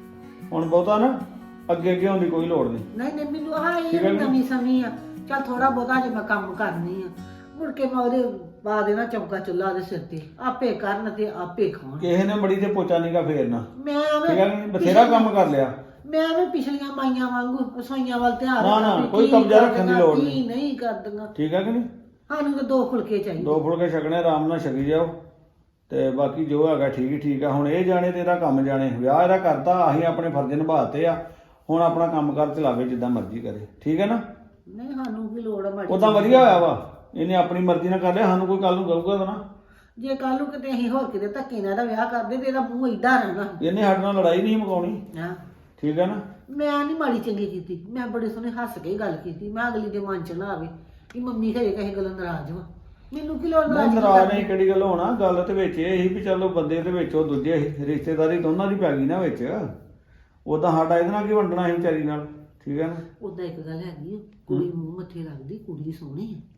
A: ਹੁਣ ਬਹੁਤਾ ਨਾ ਅੱਗੇ ਅੱਗੇ ਹੋਣ ਦੀ ਕੋਈ ਲੋੜ ਨਹੀਂ।
E: ਨਹੀਂ ਨਹੀਂ ਮੈਨੂੰ ਆਹ
A: ਠੀਕ ਹੈ
E: ਇਹ
A: ਜੀ।
E: ਨਵੀਂ ਸਮੀ ਆ, ਚੱਲ ਥੋੜਾ ਬਹੁਤਾ ਜੇ ਮੈਂ ਕੰਮ ਕਰਨੀ ਆ, ਮੁੜ ਕੇ ਮੈਂ ਉਹਦੇ ਪਾ ਦੇਣਾ ਚੌਂਕਾ ਚੁੱਲ੍ਹਾ ਉਹਦੇ ਸਿਰ ਤੇ, ਆਪੇ ਕਰਨ ਤੇ ਆਪੇ ਖਾਣ।
A: ਕਿਸੇ ਨੇ ਬੜੀ ਤੇ ਪੋਚਾ ਨੀਗਾ ਫੇਰਨਾ,
E: ਮੈਂ
A: ਠੀਕ ਹੈ
E: ਐਵੇਂ
A: ਨੀ? ਬਥੇਰਾ ਕੰਮ ਕਰ ਲਿਆ।
E: ਮੈਂ ਐਵੇਂ ਪਿਛਲੀਆਂ ਮਾਈਆਂ ਵਾਂਗੂ ਰਸੋਈਆਂ ਵੱਲ ਧਿਆਨ
A: ਨਾ, ਨਾ,
E: ਰੱਖਣਾ ਵੀ
A: ਕੋਈ
E: ਕੀ
A: ਕਬਜ਼ਾ ਰੱਖਣ ਦੀ
E: ਕਰਦੀਆਂ,
A: ਲੋੜ
E: ਕੀ
A: ਨਹੀਂ।
E: ਨਹੀਂ ਕਰਦੀਆਂ।
A: ਠੀਕ ਹੈ ਕਿ ਨਹੀਂ?
E: ਸਾਨੂੰ ਤਾਂ ਦੋ ਫੁਲਕੇ ਚਾਹੀਦੇ।
A: ਦੋ ਫੁਲਕੇ ਛਕਣੇ, ਆਰਾਮ ਨਾਲ ਛਕੀ ਜਾਓ ਤੇ ਬਾਕੀ ਜੋ ਹੈਗਾ ਠੀਕ ਹੀ ਠੀਕ ਆ। ਹੁਣ ਇਹ ਜਾਣੇ ਤੇ ਇਹਦਾ ਕੰਮ ਜਾਣੇ, ਵਿਆਹ ਇਹਦਾ ਕਰਤਾ, ਅਸੀਂ ਆਪਣੇ ਫਰਜ਼ ਨਿਭਾਤੇ ਆ। ਹੁਣ ਆਪਣਾ ਕੰਮ ਕਰ ਚਲਾਵੇ ਜਿੱਦਾਂ ਮਰਜ਼ੀ ਕਰੇ, ਠੀਕ ਹੈ ਨਾ?
E: ਨਹੀਂ ਸਾਨੂੰ ਕੀ ਲੋੜ ਆ ਮਾੜੀ
A: ਉਦਾਂ ਵਧੀਆ ਹੋਇਆ ਵਾ, ਇਹਨੇ ਆਪਣੀ ਮਰਜ਼ੀ ਨਾਲ ਕਰ ਲਿਆ, ਸਾਨੂੰ ਕੋਈ ਕੱਲ ਨੂੰ ਕਹੂਗਾ ਤਾਂ ਨਾ।
E: ਜੇ ਕੱਲ ਨੂੰ ਕਿਤੇ ਅਸੀਂ ਹੋਰ ਕਿਤੇ ਧੱਕੇ ਨਾਲ ਇਹਦਾ ਵਿਆਹ ਕਰਦੇ ਤੇ ਇਹਦਾ ਮੂੰਹ ਏਦਾਂ ਰਹਿਣਾ।
A: ਇਹਨੇ ਸਾਡੇ ਨਾਲ ਲੜਾਈ ਨਹੀਂ ਮੁਕਾਉਣੀ,
E: ਹਾਂ
A: ਠੀਕ ਹੈ ਨਾ?
E: ਮੈਂ ਨਹੀਂ ਮਾੜੀ ਚੰਗੀ ਕੀਤੀ, ਮੈਂ ਬੜੇ ਸੋਹਣੇ ਹੱਸ ਕੇ ਗੱਲ ਕੀਤੀ। ਮੈਂ ਅਗਲੀ ਦੇ ਮਨ ਚ ਨਾ ਆਵੇ ਕਿ ਮੰਮੀ ਘਰੇ ਕਿਸੇ ਗੱਲੋਂ ਨਾਰਾਜ਼ ਵਾ। ਮੈਨੂੰ ਕੀ ਲੋੜ
A: ਨਹੀਂ
E: ਨਾਰਾਜ਼
A: ਨਾਰਾਜ਼ ਨਹੀਂ, ਕਿਹੜੀ ਗੱਲ ਹੋਣਾ। ਗੱਲ ਤੇ ਵਿੱਚ ਇਹ ਸੀ ਵੀ ਚਲੋ ਬੰਦੇ ਦੇ ਵਿੱਚ ਉਹ ਦੂਜੇ ਸੀ, ਰਿਸ਼ਤੇਦਾਰੀ ਦੋਨਾਂ ਦੀ ਪੈ ਗਈ ਨਾ ਵਿੱਚ। ਉਦਾਂ ਸਾਡਾ ਇਹਦੇ ਨਾਲ ਕੀ ਵੰਡਣਾ ਸੀ ਵਿਚਾਰੀ ਨਾਲ, ਠੀਕ ਹੈ ਨਾ?
E: ਉਦਾਂ ਇੱਕ ਗੱਲ ਹੈਗੀ ਆ, ਕੁੜੀ ਮੂੰਹ ਮੱਥੇ ਲੱਗਦੀ, ਕੁੜੀ ਸੋਹਣੀ ਆ।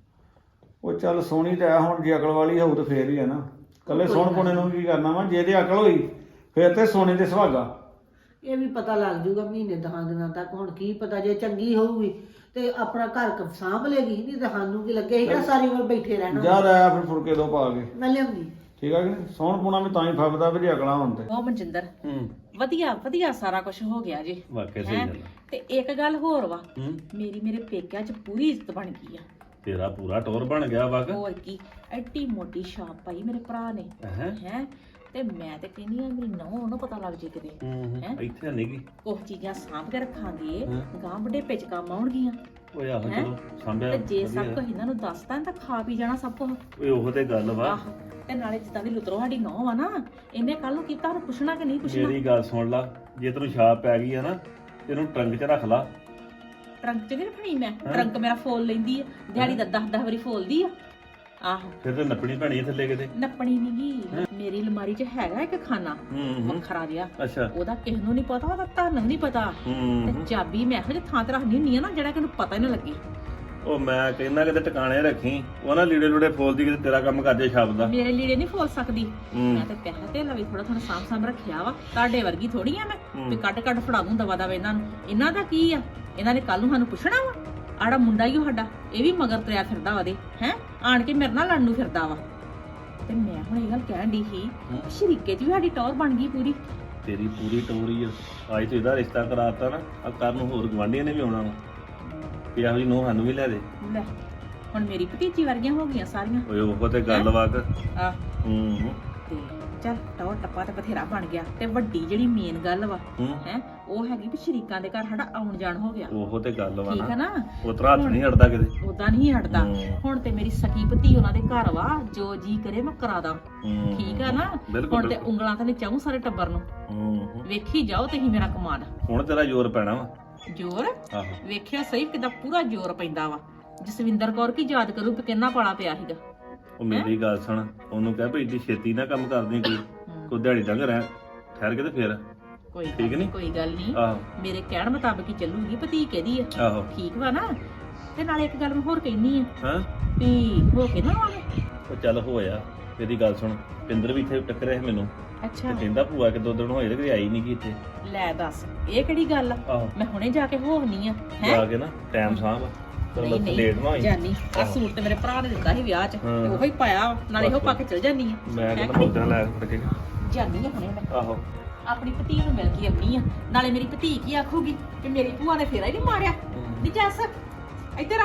A: ਉਹ ਚੱਲ ਸੋਹਣੀ ਤਾਂ ਹੈ, ਹੁਣ ਜੇ ਅਕਲ ਵਾਲੀ ਹੋਊ ਤਾਂ ਫੇਰ ਹੀ ਹੈ ਨਾ। ਕੱਲੇ ਸੋਹਣ ਪੁਣੇ ਨੂੰ ਕੀ ਕਰਨਾ ਵਾ, ਜੇ ਤੇ ਅਕਲ ਹੋਈ ਫੇਰ ਤੇ ਸੋਨੇ ਤੇ ਸੁਹਾਗਾ।
E: ਇਹ ਵੀ ਪਤਾ ਲੱਗ ਜੂਗਾ ਮਹੀਨੇ ਦਹਾਂ ਦਿਨਾਂ ਤੱਕ। ਹੁਣ ਕੀ ਪਤਾ ਜੇ ਚੰਗੀ ਹੋਊਗੀ ਤੇ ਆਪਣਾ ਘਰ ਕ ਸਾਂਭ ਲੇਗੀ, ਨਹੀਂ ਤਾਂ ਸਾਨੂੰ ਕੀ ਲੱਗੇ ਸੀਗਾ ਸਾਰੀ ਉਮਰ ਬੈਠੇ ਰਹਿਣਾ।
A: ਜਾ ਰਿਹਾ ਫਿਰ ਫੁਲਕੇ ਦੋ ਪਾ ਕੇ,
E: ਮੈਂ ਲਿਆਉਂਦੀ।
A: ਠੀਕ ਹੈ ਕਿ ਨਹੀਂ? ਸੋਹਣ ਪੁਣਾ ਵੀ ਤਾਂ ਹੀ ਫੱਬਦਾ ਵੀ ਜੇ ਅਕਲਾਂ ਹੋਣ ਤੇ।
B: ਉਹ ਮਨਜਿੰਦਰ
A: ਹੂੰ
B: ਵਧੀਆ ਵਧੀਆ ਸਾਰਾ ਕੁਝ ਹੋ ਗਿਆ ਜੀ।
A: ਵਾਕਿਆ
B: ਹੈਂ? ਤੇ ਇੱਕ ਗੱਲ ਹੋਰ ਵਾ,
A: ਹੂੰ
B: ਮੇਰੀ ਮੇਰੇ ਪੇਕਿਆਂ 'ਚ ਪੂਰੀ ਇੱਜ਼ਤ ਬਣ ਗਈ ਆ।
A: ਤੇਰਾ ਪੂਰਾ ਟੋਰ ਬਣ ਗਿਆ ਵਕ।
B: ਹੋਰ ਕੀ, ਐਡੀ ਮੋਟੀ ਛਾਪ ਪਾਈ ਮੇਰੇ ਭਰਾ ਨੇ
A: ਹੈ
B: ਹੈ। ਤੇ ਮੈਂ ਤੇ ਕਹਿੰਦੀ ਆ ਮੇਰੀ ਨੌਂ ਉਹਨੂੰ ਪਤਾ ਲੱਗ ਜੇ ਕਿਤੇ ਹੈਂ?
A: ਇੱਥੇ ਨਹੀਂ ਗਈ।
B: ਕੁਝ ਚੀਜ਼ਾਂ ਸਾਂਭ ਕੇ ਰੱਖਾਂਗੇ,
A: ਹਾਂ।
B: ਗਾਂ ਵੱਡੇ ਪਿੱਛ ਕੰਮ ਆਉਣਗੀਆਂ।
A: ਓਏ ਆਹੋ
B: ਹੈਂ?
A: ਚਲੋ ਸੰਭਿਆ
B: ਤੇ ਜੇ ਸਭ
A: ਵਧੀਆ।
B: ਕੁਝ ਇਹਨਾਂ ਨੂੰ ਦੱਸਦਾ ਤਾਂ ਖਾ ਪੀ ਜਾਣਾ ਸਭ ਕੁਝ।
A: ਓਏ ਉਹੋ ਤੇ ਗੱਲ ਵਾ।
B: ਆਹ ਤੇ ਨਾਲੇ ਜਿੱਦਾਂ ਦੀ ਲੁਤਰੋ ਸਾਡੀ ਨੌਂ ਆ ਨਾ, ਇਹਨੇ ਕੱਲ ਨੂੰ ਕੀਤਾ ਉਹਨੂੰ ਪੁੱਛਣਾ ਕਿ ਨਹੀਂ ਪੁੱਛਣਾ।
A: ਮੇਰੀ ਗੱਲ ਸੁਣ ਲਾ, ਜੇ ਤੈਨੂੰ ਛਾਪ ਪੈ ਗਈ ਆ ਨਾ ਤੇ ਇਹਨੂੰ ਟਰੰਕ 'ਚ ਰੱਖ ਲਾ।
B: ਟਰੰਕ ਚ ਨਹੀਂ ਰੱਖਣੀ ਮੈਂ,
A: ਹੈਂ?
B: ਟਰੰਕ ਮੇਰਾ ਫੋਲ ਲੈਂਦੀ ਆ, ਦਿਹਾੜੀ ਦਾ ਦਸ ਦਸ ਵਾਰੀ ਫੋਲਦੀ ਆ। ਆਹੋ
A: ਫਿਰ ਤੇ ਨੱਪਣੀ ਪੈਣੀ ਆ ਥੱਲੇ ਕਿਤੇ।
B: ਨੱਪਣੀ ਨੀ ਗੀ, ਮੇਰੀ ਅਲਮਾਰੀ 'ਚ ਹੈਗਾ ਇੱਕ ਖਾਨਾ
A: ਹੂੰ ਹੂੰ
B: ਵੱਖਰਾ ਜਿਹਾ,
A: ਅੱਛਾ
B: ਉਹਦਾ ਕਿਸੇ ਨੂੰ ਨਹੀਂ ਪਤਾ, ਉਹਦਾ ਤੁਹਾਨੂੰ ਨਹੀਂ ਪਤਾ। ਤੇ
A: ਹੂੰ
B: ਚਾਬੀ ਮੈਂ ਇਹੋ ਜਿਹੇ ਥਾਂ ਤੇ ਰੱਖਣੀ ਹੁੰਦੀ ਆ ਨਾ ਜਿਹੜਾ ਕਿ ਉਹਨੂੰ ਪਤਾ ਹੀ ਨਾ ਲੱਗੇ।
A: ਉਹ ਮੈਂ ਕਹਿੰਦਾ ਕਿਤੇ ਟਿਕਾਣੇ ਰੱਖੀ, ਉਹ ਨਾ ਲੀੜੇ ਲੂੜੇ ਫੋਲਦੀ ਕਿਤੇ ਤੇਰਾ ਕੰਮ ਕਰ ਜੇ ਛਾਪ ਦਾ।
B: ਮੇਰੇ ਲੀੜੇ ਨਹੀਂ ਫੋਲ ਸਕਦੀ।
A: ਹੂੰ।
B: ਮੈਂ ਤੇ ਪੈਸੇ ਤੇ ਲਵੇ ਥੋੜਾ ਥੋੜਾ ਸਾਂਭ ਸਾਂਭ ਰੱਖਿਆ ਵਾ, ਤੁਹਾਡੇ ਵਰਗੀ ਥੋੜੀ ਆ ਮੈਂ
A: ਹੂੰ।
B: ਵੀ ਕੱਢ ਕੱਢ ਫੜਾ ਦੂੰ ਦਵਾ ਦਵਾ ਇਹਨਾਂ ਨੂੰ। ਇਹਨਾਂ ਦਾ ਕੀ ਆ, ਇਹਨਾਂ ਨੇ ਕੱਲ ਨੂੰ ਸਾਨੂੰ ਪੁੱਛਣਾ ਵਾ। ਆੜਾ ਮੁੰਡਾ ਹੀ ਉਹ ਸਾਡਾ, ਇਹ ਵੀ ਮਗਰ ਤੁਰਿਆ ਫਿਰਦਾ ਵਾ ਦੇ ਹੈ, ਆਣ ਕੇ ਮੇਰੇ ਨਾਲ ਲੜਨ ਨੂੰ ਫਿਰਦਾ ਵਾ। ਤੇ ਮੈਂ ਹੁਣ ਇਹ ਗੱਲ ਕਹਿਣ ਦੀ ਸੀ,
A: ਹੂੰ।
B: ਸ਼ਰੀਕੇ 'ਚ ਵੀ ਸਾਡੀ ਟੌਰ ਬਣ ਗਈ ਪੂਰੀ।
A: ਤੇਰੀ ਪੂਰੀ ਟੋਰੀ ਆ। ਅੱਜ ਤੋਂ ਇਹਦਾ ਰਿਸ਼ਤਾ ਕਰਾਤਾ ਨਾ, ਆ ਕਰਨ ਨੂੰ ਹੋਰ ਗਵਾਂਢੀਆਂ ਨੇ ਵੀ ਆਉਣਾ ਵਾ ਵੀ ਇਹੋ ਜਿਹੀ ਨੂੰਹ ਸਾਨੂੰ ਵੀ ਲੈ ਦੇ।
B: ਲੈ ਹੁਣ ਮੇਰੀ ਭਤੀਜੀ ਵਰਗੀਆਂ ਹੋ ਗਈਆਂ ਸਾਰੀਆਂ।
A: ਓਏ ਉਹ ਤੇ ਗੱਲ ਵਾ ਕਿ
B: ਆ
A: ਹੂੰ ਹੂੰ
B: ਤੇ ਚੱਲ ਟੌਰ ਟੱਪਾ ਤੇ ਬਥੇਰਾ ਬਣ ਗਿਆ। ਤੇ ਵੱਡੀ ਜਿਹੜੀ ਮੇਨ ਗੱਲ ਵਾ
A: ਹੂੰ
B: ਹੈ, ਉਹ ਹੈਗੀ ਵੀ ਸ਼ਰੀਕਾਂ ਦੇ ਘਰ ਸਾਡਾ ਆਉਣ ਜਾਣ ਹੋ ਗਿਆ।
A: ਉਹ ਤੇ ਗੱਲ ਵਾ
B: ਠੀਕ ਹੈ
A: ਨਾ,
B: ਨਾ,
A: ਉਹ ਤਰਾ ਹੱਥ ਨਹੀਂ ਹਟਦਾ ਕਿਤੇ।
B: ਉਦਾਂ ਨਹੀਂ ਹਟਦਾ।
A: ਹੂੰ।
B: ਹੁਣ ਤੇ ਮੇਰੀ ਸਕੀ ਭਤੀ ਉਹਨਾਂ ਦੇ ਘਰ ਵਾ, ਜੋ ਜੀ ਕਰੇ ਮੈਂ ਕਰਾ ਦਾਂ।
A: ਹੂੰ
B: ਠੀਕ ਆ ਨਾ,
A: ਬਿਲਕੁਲ
B: ਹੁਣ ਤੇ
A: ਬਿਲਕੁਲ।
B: ਉਂਗਲਾਂ ਤੇ ਚਾਹੂੰ ਸਾਰੇ ਟੱਬਰ ਨੂੰ।
A: ਹੂੰ ਹੂੰ।
B: ਵੇਖੀ ਜਾਓ ਤੁਸੀਂ ਮੇਰਾ ਕਮਾਲ।
A: ਹੁਣ ਤੇਰਾ ਜ਼ੋਰ ਪੈਣਾ ਵਾ।
B: ਜ਼ੋਰ
A: ਆਹੋ
B: ਵੇਖਿਆ ਸਹੀ ਕਿਦਾਂ ਪੂਰਾ ਜ਼ੋਰ ਪੈਂਦਾ ਵਾ। ਜਸਵਿੰਦਰ ਕੌਰ ਕੀ ਯਾਦ ਕਰੂ ਕਿ ਕਿੰਨਾ ਪਾਲਾ ਪਿਆ ਸੀਗਾ।
A: ਉਹ ਮੇਰੀ ਗੱਲ ਸੁਣ, ਉਹਨੂੰ ਕਹਿ ਭਈ ਇੱਡੀ ਛੇਤੀ ਨਾ ਕੰਮ ਕਰਦੀ ਕੋਈ
B: ਹੂੰ।
A: ਕੋਈ ਦਿਹਾੜੀ ਡੰਗ ਰਹਿ ਠਹਿਰ ਕੇ ਤੇ ਫੇਰ।
B: ਕੋਈ ਗੱਲ
A: ਠੀਕ ਨੀ?
B: ਕੋਈ ਗੱਲ ਨਹੀਂ,
A: ਆਹੋ
B: ਮੇਰੇ ਕਹਿਣ ਮੁਤਾਬਕ ਹੀ ਚੱਲੂਗੀ। ਭਤੀ ਕਿਹਦੀ ਆ,
A: ਆਹੋ
B: ਠੀਕ ਵਾ ਨਾ। ਤੇ ਨਾਲੇ ਇੱਕ ਗੱਲ ਮੈਂ ਹੋਰ ਕਹਿਨੀ ਆ
A: ਹਾਂ
B: ਵੀ ਹੋ ਕੇ ਨਾ ਆਵੇ।
A: ਉਹ ਚੱਲ ਹੋਇਆ। ਮੇਰੀ ਗੱਲ ਸੁਣ, ਪਿੰਦਰ ਵੀ ਇੱਥੇ ਟੱਕਰਿਆ ਸੀ ਮੈਨੂੰ
B: ਅੱਛਾ
A: ਤੇ ਕਹਿੰਦਾ ਭੂਆ ਕਿ ਦੋ ਦਿਨ ਹੋਏ ਤੇ ਕਦੇ ਆਈ ਨਹੀਂ ਗੀ ਇੱਥੇ।
B: ਲੈ ਦੱਸ, ਇਹ ਕਿਹੜੀ ਗੱਲ ਆ।
A: ਆਹੋ
B: ਮੈਂ ਹੁਣੇ ਜਾ ਕੇ ਹੋਣੀ ਆ
A: ਜਾ
B: ਹੈ।
A: ਕੇ ਨਾ ਟਾਈਮ ਸਾਂਭ
B: ਨਹੀਂ
A: ਚਲ
B: ਨਹੀਂ
A: ਲੇਟ ਨਾ ਹੋਈ।
B: ਜਾਨੀ ਆ
A: ਆਹੋ।
B: ਸੂਟ ਤੇ ਮੇਰੇ ਭਰਾ ਨੇ ਦਿੱਤਾ ਸੀ ਵਿਆਹ 'ਚ,
A: ਹਾਂ।
B: ਤੇ ਉਹੋ ਹੀ ਪਾਇਆ, ਨਾਲੇ ਇਹੋ ਪਾ ਕੇ ਚਲ ਜਾਨੀ ਆ।
A: ਮੈਂ
B: ਹੈਂ
A: ਕਹਿੰਦਾ
B: ਕਿ ਨਹੀਂ?
A: ਮੁੱਦਿਆਂ ਲੈ ਫੜ ਕੇ
B: ਜਾਨੀ ਆ ਹੁਣੇ ਮੈਂ
A: ਆਹੋ
B: ਆਪਣੀ ਭਤੀ ਨੂੰ ਮਿਲ ਕੇ ਆਉਣੀ ਆ। ਨਾਲੇ ਮੇਰੀ ਭਤੀ ਕੀ ਆਖੂਗੀ ਕਿ ਮੇਰੀ ਭੂਆ ਨੇ ਫੇਰਾ ਹੀ ਨਹੀਂ ਮਾਰਿਆ। ਨਹੀਂ ਜੱਸ ਇੱਧਰ ਆ,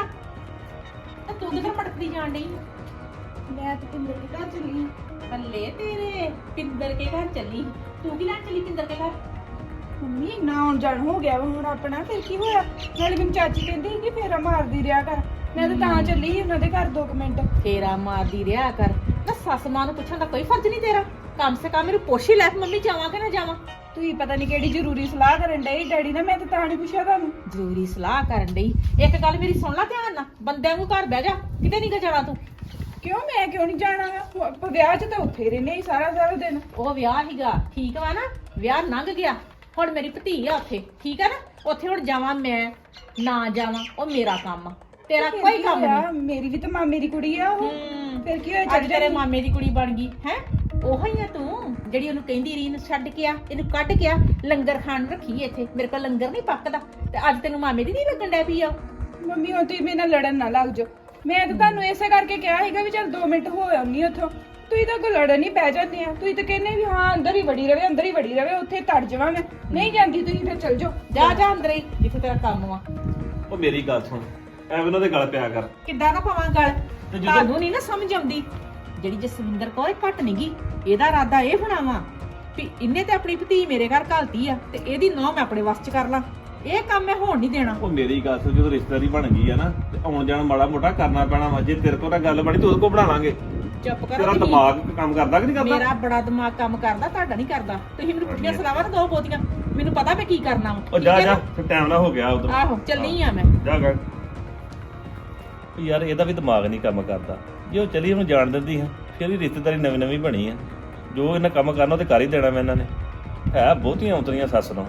B: ਤੇ ਤੂੰ ਕਿੱਧਰ ਪਟਕਦੀ ਜਾਣ ਡਈ?
D: ਮੈਂ ਤੇ ਪਿੰਦਰ ਦੇ ਘਰ ਚੱਲੀ।
B: ਬੱਲੇ ਤੇਰੇ, ਪਿੰਦਰ ਕੇ ਘਰ ਚੱਲੀ। ਤੂੰ ਕੀ ਲੈਣ ਚੱਲੀ ਪਿੰਦਰ ਕੇ ਘਰ?
D: ਮੰਮੀ ਨਾ ਆਉਣ ਜਾਣ ਹੋ ਗਿਆ ਵਾ ਹੁਣ ਆਪਣਾ, ਫਿਰ ਕੀ ਹੋਇਆ? ਨਾਲੇ ਮੈਨੂੰ ਚਾਚੀ ਕਹਿੰਦੀ ਸੀ ਕਿ ਫੇਰਾ ਮਾਰਦੀ ਰਿਹਾ ਕਰ। ਮੈਂ ਤਾਂ ਤਾਂ ਚੱਲੀ ਸੀ ਉਹਨਾਂ ਦੇ ਘਰ ਦੋ ਕੁ ਮਿੰਟ।
B: ਫੇਰਾ ਮਾਰਦੀ ਰਿਹਾ ਕਰ ਨਾ, ਸੱਸ ਮਾਂ ਨੂੰ ਪੁੱਛਣ ਦਾ ਕੋਈ ਫਰਜ਼ ਨਹੀਂ ਤੇਰਾ। ਕਮ ਸੇ ਕਮ ਮੈਨੂੰ ਪੁੱਛ ਹੀ ਲੈ ਕਿ ਮੰਮੀ ਜਾਵਾਂ ਕਿ ਨਾ ਜਾਵਾਂ।
D: ਤੁਸੀਂ ਪਤਾ ਨਹੀਂ ਕਿਹੜੀ ਜ਼ਰੂਰੀ ਸਲਾਹ ਕਰਨ ਡਏ ਡੈਡੀ ਨਾਲ, ਮੈਂ ਤਾਂ ਤਾਂ ਨਹੀਂ ਪੁੱਛਿਆ ਤੁਹਾਨੂੰ।
B: ਜ਼ਰੂਰੀ ਸਲਾਹ ਕਰਨ ਡਈ। ਇੱਕ ਗੱਲ ਮੇਰੀ ਸੁਣ ਲੈ ਧਿਆਨ ਨਾਲ, ਬੰਦਿਆਂ ਨੂੰ ਘਰ ਬਹਿ ਜਾ, ਕਿਤੇ ਨਹੀਂ ਗਾ ਜਾਣਾ ਤੂੰ।
D: ਕਿਉਂ ਮੈਂ ਕਿਉਂ ਨਹੀਂ ਜਾਣਾ ਵਾ? ਆਪਾਂ ਵਿਆਹ 'ਚ ਤਾਂ ਉੱਥੇ ਰਹਿੰਦੇ ਹੀ ਸਾਰਾ ਸਾਰਾ ਦਿਨ।
B: ਉਹ ਵਿਆਹ ਹੀਗਾ, ਠੀਕ ਵਾ ਨਾ, ਵਿਆਹ ਲੰਘ ਗਿਆ। ਹੁਣ ਮੇਰੀ ਭਤੀ ਆ ਉੱਥੇ, ਠੀਕ ਆ ਨਾ। ਉੱਥੇ ਹੁਣ ਜਾਵਾਂ ਮੈਂ ਨਾ ਜਾਵਾਂ ਉਹ ਮੇਰਾ ਕੰਮ ਆ, ਤੇਰਾ
D: ਫਿਰ
B: ਕੋਈ
D: ਕੀ
B: ਕੰਮ
D: ਹੋਇਆ?
B: ਨਹੀਂ।
D: ਮੇਰੀ ਵੀ ਤਾਂ ਮਾਮੇ ਦੀ ਕੁੜੀ ਆ ਉਹ।
B: ਹੂੰ।
D: ਫਿਰ ਕੀ ਹੋਇਆ?
B: ਅੱਜ
D: ਚੱਲ
B: ਤੇਰੇ
D: ਜਾਣੀ।
B: ਮਾਮੇ ਦੀ ਕੁੜੀ ਬਣ ਗਈ ਹੈ। ਉਹੀ ਆ ਤੂੰ ਜਿਹੜੀ ਉਹਨੂੰ ਕਹਿੰਦੀ ਰੀਨ ਛੱਡ ਕੇ ਆ, ਇਹਨੂੰ ਕੱਢ ਕੇ ਆ, ਲੰਗਰ ਖਾਣ ਨੂੰ ਰੱਖੀ ਇੱਥੇ। ਮੇਰੇ ਕੋਲ ਲੰਗਰ ਨਹੀਂ ਪੱਕਦਾ ਤੇ ਅੱਜ ਤੈਨੂੰ ਮਾਮੇ ਦੀ ਨਹੀਂ ਲੱਗਣ ਡੈ ਪਈ ਆ।
D: ਮੰਮੀ ਹੁਣ ਤੁਸੀਂ ਮੇਰੇ ਨਾਲ ਲੜਨ ਨਾ ਲੱਗ ਜਾਓ। ਮੈਂ ਤਾਂ ਤੁਹਾਨੂੰ ਇਸੇ ਕਰਕੇ ਕਿਹਾ ਸੀਗਾ ਵੀ ਚੱਲ ਦੋ ਮਿੰਟ ਹੋ ਆਉਣੀ ਉੱਥੋਂ। ਤੁਸੀਂ ਤਾਂ ਕੋ ਲੜਨ ਹੀ ਪੈ ਜਾਂਦੇ ਆ। ਤੁਸੀਂ ਤਾਂ ਕਹਿੰਦੇ ਵੀ ਹਾਂ ਅੰਦਰ ਹੀ ਵੜੀ ਰਵੇ, ਅੰਦਰ ਹੀ ਵੜੀ ਰਵੇ, ਉੱਥੇ ਤੜ ਜਾਵਾਂ ਮੈਂ। ਨਹੀਂ ਜਾਂਦੀ ਤੁਸੀਂ, ਫਿਰ ਚੱਲ ਜਾਓ।
B: ਜਾ ਜਾ ਅੰਦਰ ਹੀ ਜਿੱਥੇ ਤੇਰਾ ਕੰਮ ਵਾ।
A: ਉਹ ਮੇਰੀ ਗੱਲ ਸੁਣ, ਐਵੇਂ ਉਹਨਾਂ ਦੇ ਗਲ ਪਿਆ ਕਰ।
B: ਕਿੱਦਾਂ ਨਾ ਪਵਾਂ ਗੱਲ,
A: ਤੇ ਜਦੋਂ-
B: ਤੁਹਾਨੂੰ ਨਹੀਂ ਨਾ ਸਮਝ ਆਉਂਦੀ। ਜਿਹੜੀ ਜਸਵਿੰਦਰ ਕੌਰ ਇਹ ਘੱਟ ਨੀ ਗੀ, ਇਹਦਾ ਇਰਾਦਾ ਇਹ ਹੋਣਾ ਵਾ ਵੀ ਇਹਨੇ ਤੇ ਆਪਣੀ ਭਤੀ ਮੇਰੇ ਘਰ ਘਾਲਤੀ ਆ ਤੇ ਇਹਦੀ ਨੌਂ ਮੈਂ ਆਪਣੇ ਵੱਸ ਚ ਕਰ ਲਾਂ। ਇਹ ਕੰਮ ਮੈਂ ਹੋਣ ਨਹੀਂ ਦੇਣਾ।
A: ਉਹ ਮੇਰੀ ਗੱਲ ਸੁਣ, ਜਦੋਂ ਰਿਸ਼ਤੇਦਾਰੀ ਬਣ ਗਈ ਆ ਨਾ ਤੇ ਆਉਣ ਜਾਣ ਮਾੜਾ ਮੋਟਾ ਕਰਨਾ ਪੈਣਾ ਵਾ। ਜੇ ਤੇਰੇ ਕੋਲ ਤਾਂ ਗੱਲ ਬਣੀ ਤੂੰ ਉਹਦੇ ਕੋਲ ਬਣਾ ਲਾਂਗੇ।
B: ਚੁੱਪ ਕਰੋ
A: ਤੇਰਾ
B: ਤੁਸੀਂ।
A: ਦਿਮਾਗ ਕੰਮ ਕਰਦਾ ਕਿ ਨਹੀਂ ਕਰਦਾ?
B: ਮੇਰਾ ਬੜਾ ਦਿਮਾਗ ਕੰਮ ਕਰਦਾ, ਤੁਹਾਡਾ ਨਹੀਂ ਕਰਦਾ। ਤੁਸੀਂ ਮੈਨੂੰ ਪੁੱਠੀਆਂ ਸਲਾਵਾਂ ਨਾ ਦਿਓ ਬਹੁਤੀਆਂ, ਮੈਨੂੰ ਪਤਾ ਮੈਂ ਕੀ ਕਰਨਾ ਵਾ।
A: ਉਹ
B: ਠੀਕ
A: ਜਾ
B: ਹੈ
A: ਜਾ,
B: ਨਾ?
A: ਫਿਰ ਟਾਈਮ ਨਾ ਹੋ ਗਿਆ ਉਧਰ।
B: ਆਹੋ ਚੱਲੀ ਆ ਮੈਂ।
A: ਜਾ ਗਾ ਯਾਰ, ਇਹਦਾ ਵੀ ਦਿਮਾਗ ਨਹੀਂ ਕੰਮ ਕਰਦਾ। ਜੇ ਉਹ ਚਲੀ ਉਹਨੂੰ ਜਾਣ ਦਿੰਦੀ ਹੈ ਫਿਰ ਵੀ ਰਿਸ਼ਤੇਦਾਰੀ ਨਵੀਂ ਨਵੀਂ ਬਣੀ ਆ। ਜੋ ਇਹਨਾਂ ਕੰਮ ਕਰਨਾ ਉਹ ਤੇ ਕਰ ਹੀ ਦੇਣਾ ਮੈਂ ਇਹਨਾਂ ਨੇ। ਹੈ ਬਹੁਤੀਆਂ ਉਤਰੀਆਂ ਸੱਸ ਨੂੰ।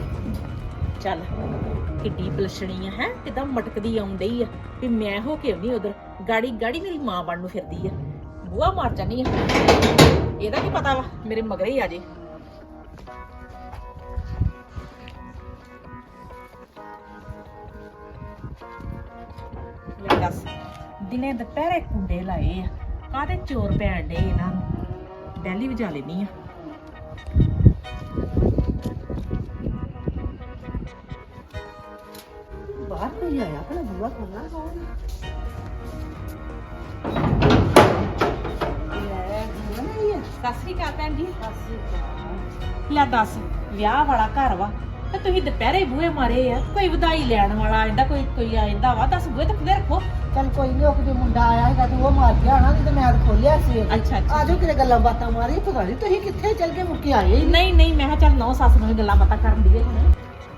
B: ਚੱਲ ਕਿੱਡੀ ਪਲਸ਼ਣੀ ਆ ਹੈ, ਕਿਦਾਂ ਮਟਕਦੀ ਆਉਂਦੀ ਆ ਵੀ ਮੈਂ ਹੋ ਕੇ ਆਉਂਦੀ ਉਧਰ। ਗਾੜੀ ਗਾੜੀ ਮੇਰੀ ਮਾਂ ਬਣ ਨੂੰ ਫਿਰਦੀ ਆ। ਬੂਹਾ ਮਾਰ ਜਾਨੀ ਆ। ਇਹਦਾ ਕੀ ਪਤਾ ਵਾ ਮੇਰੇ ਮਗਰੇ ਹੀ ਆ ਜੇ। ਲੈ ਦੱਸ, ਦਿਨੇ ਦੁਪਹਿਰੇ ਕੁੰਡੇ ਲਾਏ ਆ, ਕਾਹਦੇ ਚੋਰ ਪੈਣ ਡੇ ਇਹਨਾਂ ਨੂੰ। ਡੈਲੀ ਵਜਾ ਲੈਣੀ ਆ।
E: ਬਾਹਰ ਕੋਈ ਆਇਆ ਭਲਾ ਬੂਆ ਖੋਲਣਾ ਕੌਣ? ਲੈ ਜੀਵਨ ਆਈ ਹੈ।
B: ਸਤਿ ਸ੍ਰੀ ਅਕਾਲ ਭੈਣ ਜੀ।
E: ਸਤਿ ਸ਼੍ਰੀ ਅਕਾਲ।
B: ਲੈ ਦੱਸ, ਵਿਆਹ ਵਾਲਾ ਘਰ ਵਾ ਤੇ ਤੁਸੀਂ ਦੁਪਹਿਰੇ ਬੂਹੇ ਮਾਰੇ ਆ, ਕੋਈ ਵਧਾਈ ਲੈਣ ਵਾਲਾ ਆਂਦਾ, ਕੋਈ ਕੋਈ ਆਂਦਾ ਵਾ, ਦੱਸ ਬੂਹੇ ਤੇ ਖੁੱਲੇ ਰੱਖੋ।
E: ਚੱਲ ਕੋਈ ਨਹੀਂ, ਉਹ ਕਿਤੇ ਮੁੰਡਾ ਆਇਆ ਹੈਗਾ ਤੇ ਉਹ ਮਾਰ ਗਿਆ ਨਾ, ਤੇ ਮੈਂ ਤਾਂ ਖੋਲਿਆ ਸੀ।
B: ਅੱਛਾ ਅੱਛਾ।
E: ਆਜੋ ਕਿਤੇ ਗੱਲਾਂ ਬਾਤਾਂ ਮਾਰੀ, ਪਤਾ ਨਹੀਂ ਤੁਸੀਂ ਕਿੱਥੇ ਚੱਲ ਕੇ ਮੁੱਕੇ ਆਏ ਹੀ
B: ਨਹੀਂ ਨਹੀਂ, ਮੈਂ ਕਿਹਾ ਚੱਲ ਨੌ ਸੱਸ ਨੂੰ ਵੀ ਗੱਲਾਂ ਬਾਤਾਂ ਕਰਨ ਦੀ ਹੁਣ।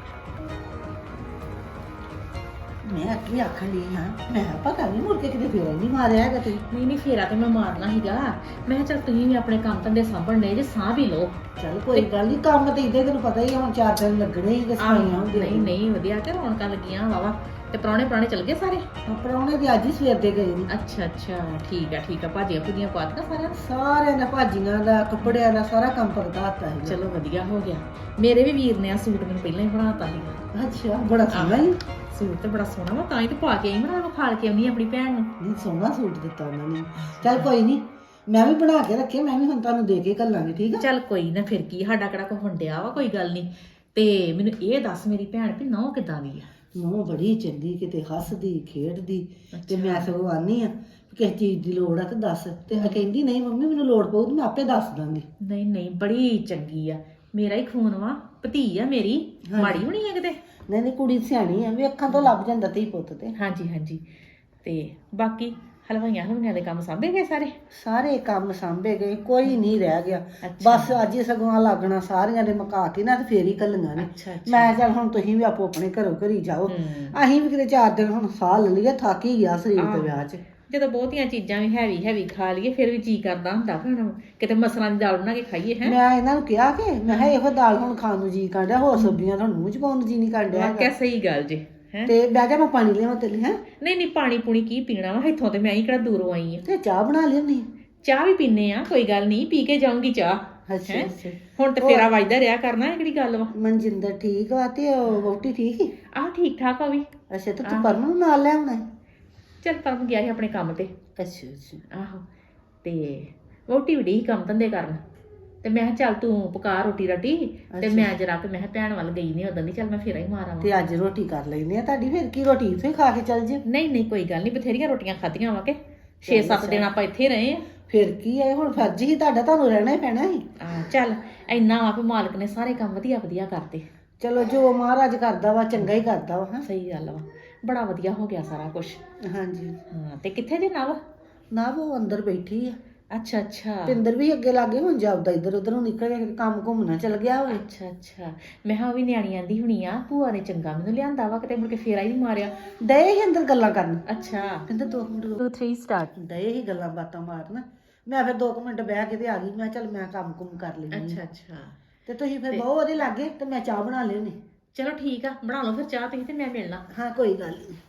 E: ਮੈਂ ਕੀ ਆਖਣ ਲਈ ਹਾਂ, ਮੈਂ ਕਿਹਾ ਪਤਾ ਨਹੀਂ ਮੁੜ ਕੇ ਕਿਤੇ ਫੇਰ ਨਹੀਂ ਮਾਰਿਆ ਹੈਗਾ ਤੁਸੀਂ।
B: ਨਹੀਂ ਨਹੀਂ, ਫੇਰਾ ਤੇ ਮੈਂ ਮਾਰਨਾ ਸੀਗਾ। ਮੈਂ ਕਿਹਾ ਚੱਲ ਤੁਸੀਂ ਵੀ ਆਪਣੇ ਕੰਮ ਧੰਦੇ ਸਾਂਭਣ ਨੇ ਜੇ, ਸਾਂਭ ਹੀ ਲਓ।
E: ਚੱਲ ਕੋਈ ਗੱਲ ਨਹੀਂ, ਕੰਮ ਤੇ ਇਦਾਂ ਤੈਨੂੰ ਪਤਾ ਹੀ ਆ, ਹੁਣ ਚਾਰ ਦਿਨ ਲੱਗਣੇ ਹੀ ਸਫਾਈਆਂ ਹੁੰਦੀਆਂ।
B: ਨਹੀਂ ਨਹੀਂ, ਵਧੀਆ ਤੇ ਰੌਣਕਾਂ ਲੱਗੀਆਂ ਵਾਵਾ। ਤੇ ਪ੍ਰਾਹੁਣੇ ਪ੍ਰਾਹੁਣੇ ਚਲ ਗਏ ਸਾਰੇ?
E: ਪਰੌਣੇ ਤੇ ਅੱਜ ਹੀ ਸਵੇਰ ਦੇ ਗਏ ਨੇ।
B: ਅੱਛਾ ਅੱਛਾ, ਠੀਕ ਆ ਠੀਕ ਆ। ਭਾਜੀਆਂ ਭੁਜੀਆਂ ਪਾ ਦਿੱਤਾ ਸਾਰਿਆਂ ਨੂੰ?
E: ਸਾਰਿਆਂ ਨੇ ਭਾਜੀਆਂ ਦਾ, ਕੱਪੜਿਆਂ ਦਾ ਸਾਰਾ ਕੰਮ ਪਕੜਾ ਦਿੱਤਾ ਸੀ।
B: ਚਲੋ ਵਧੀਆ ਹੋ ਗਿਆ। ਮੇਰੇ ਵੀ ਵੀਰ ਨੇ ਆ ਸੂਟ ਮੈਨੂੰ ਪਹਿਲਾਂ ਹੀ ਬਣਾਤਾ ਸੀਗਾ।
E: ਅੱਛਾ, ਬੜਾ ਸੋਹਣਾ ਹੀ।
B: ਸੂਟ ਤੇ ਬੜਾ ਸੋਹਣਾ ਵਾ, ਤਾਂ ਹੀ ਤੇ ਪਾ ਕੇ ਆਈ। ਮੈਂ ਖਾਲ ਕੇ ਆਉਣੀ ਆਪਣੀ ਭੈਣ ਨੂੰ।
E: ਨਹੀਂ, ਸੋਹਣਾ ਸੂਟ ਦਿੱਤਾ ਉਹਨਾਂ ਨੇ। ਚੱਲ ਕੋਈ ਨਹੀਂ, ਮੈਂ ਵੀ ਬਣਾ ਕੇ ਰੱਖੇ, ਮੈਂ ਵੀ ਹੁਣ ਤੁਹਾਨੂੰ ਦੇ ਕੇ ਘੱਲਾਂਗੀ, ਠੀਕ ਆ?
B: ਚੱਲ ਕੋਈ ਨਾ, ਫਿਰ ਕੀ, ਸਾਡਾ ਕਿਹੜਾ ਕੋਈ ਵੰਡਿਆ ਵਾ, ਕੋਈ ਗੱਲ ਨਹੀਂ। ਤੇ ਮੈਨੂੰ ਇਹ ਦੱਸ ਮੇਰੀ ਭੈਣ ਵੀ ਨਹੁੰ ਕਿੱਦਾਂ ਦੀ ਆ?
E: ਨੂੰਹ ਬੜੀ ਚੰਗੀ, ਕਿਤੇ ਹੱਸਦੀ ਖੇਡਦੀ। ਤੇ ਮੈਂ ਸਗੋਂ ਆਨੀ ਆ ਕਿਸੇ ਚੀਜ਼ ਦੀ ਲੋੜ ਆ ਤੇ ਦੱਸ। ਤੇ ਮੈਂ ਕਹਿੰਦੀ ਨਹੀਂ ਮੰਮੀ, ਮੈਨੂੰ ਲੋੜ ਪਊ ਤੇ ਮੈਂ ਆਪੇ ਦੱਸ ਦਾਂਗੀ।
B: ਨਹੀਂ ਨਹੀਂ, ਬੜੀ ਚੰਗੀ ਆ। ਮੇਰਾ ਹੀ ਖੂਨ ਵਾ, ਭਤੀ ਆ ਮੇਰੀ, ਮਾੜੀ ਹੋਣੀ ਆ ਕਿਤੇ?
E: ਨਹੀਂ ਨਹੀਂ, ਕੁੜੀ ਸਿਆਣੀ ਆ, ਵੀ ਅੱਖਾਂ ਤੋਂ ਲੱਭ ਜਾਂਦਾ ਧੀ ਪੁੱਤ ਤੇ।
B: ਹਾਂਜੀ ਹਾਂਜੀ। ਤੇ ਬਾਕੀ ਹਲਵਾਈਆਂ ਹਲਵਾਈਆਂ ਦੇ ਕੰਮ ਸਾਂਭੇ ਗਏ ਸਾਰੇ?
E: ਸਾਰੇ ਕੰਮ ਸਾਂਭੇ ਗਏ, ਕੋਈ ਨਹੀਂ ਰਹਿ ਗਿਆ। ਬਸ ਅੱਜ ਹੀ ਸਗੋਂ ਲੱਗਣਾ ਸਾਰੀਆਂ ਦੇ ਮੁਕਾ ਕੇ ਨਾ ਤੇ ਫੇਰ ਹੀ ਕੱਲੀਆਂ ਨੇ।
B: ਅੱਛਾ ਅੱਛਾ।
E: ਮੈਂ ਚੱਲ ਹੁਣ ਤੁਸੀਂ ਵੀ ਆਪੋ ਆਪਣੇ ਘਰੋਂ ਘਰੀ ਜਾਓ, ਅਸੀਂ ਵੀ ਕਿਤੇ ਚਾਰ ਦਿਨ ਹੁਣ ਸਾਹ ਲੈ ਲਈਏ, ਥੱਕ ਹੀ ਗਿਆ ਸਰੀਰ ਤੇ ਵਿਆਹ 'ਚ।
B: ਜਦੋਂ ਬਹੁਤੀਆਂ ਚੀਜ਼ਾਂ ਵੀ ਹੈਵੀ ਹੈਵੀ ਖਾ ਲਈਏ ਫਿਰ ਵੀ ਜੀ ਕਰਦਾ ਹੁੰਦਾ ਭੈਣ, ਕਿਤੇ ਮਸਰਾਂ ਦੀ ਦਾਲ ਬਣਾ ਕੇ ਖਾਈਏ। ਹੈ
E: ਮੈਂ ਇਹਨਾਂ ਨੂੰ ਕਿਹਾ ਕਿ ਮੈਂ ਕਿਹਾ ਇਹੋ ਦਾਲ ਹੁਣ ਖਾਣ ਨੂੰ ਜੀ ਕਰਦਾ, ਹੋਰ ਸਬਜ਼ੀਆਂ ਤੁਹਾਨੂੰ ਮੂੰਹ 'ਚ ਪਾਉਣ ਨੂੰ ਜੀ ਨਹੀਂ ਕਰਦਾ ਹੈਗਾ।
B: ਵਾਕਿਆ ਸਹੀ ਗੱਲ ਜੀ। ਹੈ
E: ਤੇ ਬਹਿ ਜਾ, ਮੈਂ ਪਾਣੀ ਲਿਆਵਾਂ ਤੇਰੇ ਲਈ। ਹੈ
B: ਨਹੀਂ ਨਹੀਂ, ਪਾਣੀ ਪੂਣੀ ਕੀ ਪੀਣਾ ਵਾ, ਇੱਥੋਂ ਤੇ ਮੈਂ ਹੀ ਕਿਹੜਾ ਦੂਰੋਂ ਆਈ ਆ।
E: ਤੇ ਚਾਹ ਬਣਾ ਲਿਆਉਣੀ।
B: ਚਾਹ ਵੀ ਪੀਨੇ ਆ, ਕੋਈ ਗੱਲ ਨਹੀਂ, ਪੀ ਕੇ ਜਾਊਂਗੀ ਚਾਹ।
E: ਅੱਛਾ ਅੱਛਾ।
B: ਹੁਣ ਤੇ ਫੇਰਾ ਵੱਜਦਾ ਰਿਹਾ ਕਰਨਾ, ਇਹ ਕਿਹੜੀ ਗੱਲ ਵਾ।
E: ਮਨਜਿੰਦਰ ਠੀਕ ਵਾ ਤੇ ਉਹ ਵਹੁਟੀ ਠੀਕ ਹੀ?
B: ਆਹ ਠੀਕ ਠਾਕ ਆ ਵੀ।
E: ਅੱਛਾ, ਤੇ ਤੂੰ ਪਰਮ ਨੂੰ ਨਾਲ ਲੈ ਆਉਣਾ?
B: ਚੱਲ ਪਰਮ ਗਿਆ ਸੀ ਆਪਣੇ ਕੰਮ ਤੇ।
E: ਅੱਛਾ ਅੱਛਾ।
B: ਆਹੋ, ਤੇ ਵਹੁਟੀ ਵੀ ਡਈ ਕੰਮ ਧੰਦੇ ਕਰਨ, ਤੇ ਮੈਂ ਕਿਹਾ ਚੱਲ ਤੂੰ ਪਕਾ ਰੋਟੀ ਰਾਟੀ, ਤੇ ਮੈਂ ਜਰਾ ਕਿ ਮੈਂ ਕਿਹਾ ਭੈਣ ਵੱਲ ਗਈ ਨਹੀਂ ਉਦੋਂ ਦੀ, ਚੱਲ ਮੈਂ ਫੇਰਾ ਹੀ ਮਾਰਾਂ।
E: ਤੇ ਅੱਜ ਰੋਟੀ ਕਰ ਲੈਨੇ ਆ ਤੁਹਾਡੀ, ਫਿਰ ਕੀ ਰੋਟੀ ਇੱਥੇ ਖਾ ਕੇ ਚੱਲ ਜੇ?
B: ਨਹੀਂ ਨਹੀਂ, ਕੋਈ ਗੱਲ ਨਹੀਂ, ਬਥੇਰੀਆਂ ਰੋਟੀਆਂ ਖਾਧੀਆਂ ਵਾ ਕੇ ਛੇ ਸੱਤ ਦਿਨ ਆਪਾਂ ਇੱਥੇ ਰਹੇ ਆ।
E: ਫਿਰ ਕੀ ਹੈ, ਹੁਣ ਫਰਜ਼ ਹੀ ਤੁਹਾਡਾ, ਤੁਹਾਨੂੰ ਰਹਿਣਾ ਹੀ ਪੈਣਾ ਸੀ।
B: ਆ ਚੱਲ ਇੰਨਾ ਵਾ ਵੀ ਮਾਲਕ ਨੇ ਸਾਰੇ ਕੰਮ ਵਧੀਆ ਵਧੀਆ ਕਰਤੇ।
E: ਚਲੋ ਜੋ ਮਹਾਰਾਜ ਕਰਦਾ ਵਾ ਚੰਗਾ ਹੀ ਕਰਦਾ ਵਾ। ਹਾਂ
B: ਸਹੀ ਗੱਲ ਵਾ, ਬੜਾ ਵਧੀਆ ਹੋ ਗਿਆ ਸਾਰਾ ਕੁਝ।
E: ਹਾਂਜੀ।
B: ਹਾਂ, ਤੇ ਕਿੱਥੇ ਜੇ ਨਵ?
E: ਨਾ ਉਹ ਅੰਦਰ ਬੈਠੀ ਆ।
B: ਅੱਛਾ ਅੱਛਾ।
E: ਪਿੰਦਰ ਵੀ ਅੱਗੇ ਲੱਗੇ, ਹੁਣ ਜਾਪਦਾ ਇੱਧਰ ਉੱਧਰ ਨੂੰ ਨਿਕਲ ਗਿਆ, ਕੰਮ ਘੁੰਮਣਾ ਚੱਲ ਗਿਆ ਹੋਵੇ।
B: ਅੱਛਾ ਅੱਛਾ। ਮੈਂ ਕਿਹਾ ਉਹ ਵੀ ਨਿਆਣੀ ਆਂਦੀ ਹੁਣੀ ਆ, ਭੂਆ ਨੇ ਚੰਗਾ ਮੈਨੂੰ ਲਿਆਂਦਾ ਵਾ, ਕਿਤੇ ਮੁੜ ਕੇ ਫੇਰਾ ਹੀ ਨਹੀਂ ਮਾਰਿਆ।
E: ਦਏ ਹੀ ਅੰਦਰ ਗੱਲਾਂ ਕਰਨ।
B: ਅੱਛਾ।
E: ਕਹਿੰਦਾ ਦੋ ਮਿੰਟ
B: ਟੂ ਥ੍ਰੀ ਸਟਾਰਟ।
E: ਦਏ ਹੀ ਗੱਲਾਂ ਬਾਤਾਂ ਮਾਰਨ। ਮੈਂ ਫਿਰ ਦੋ ਕੁ ਮਿੰਟ ਬਹਿ ਕੇ ਤੇ ਆ ਗਈ। ਮੈਂ ਚੱਲ ਮੈਂ ਕੰਮ ਕੁੰਮ ਕਰ ਲੈਂਦੀ।
B: ਅੱਛਾ ਅੱਛਾ।
E: ਤੇ ਤੁਸੀਂ ਫਿਰ ਬਹੁਤ ਉਹਦੇ ਲਾਗੇ ਤੇ ਮੈਂ ਚਾਹ ਬਣਾ ਲਿਓਨੀ।
B: ਚਲੋ ਠੀਕ ਆ, ਬਣਾ ਲਓ ਫਿਰ ਚਾਹ ਤੁਸੀਂ, ਤੇ ਮੈਂ ਮਿਲਣਾ।
E: ਹਾਂ ਕੋਈ ਗੱਲ ਨਹੀਂ।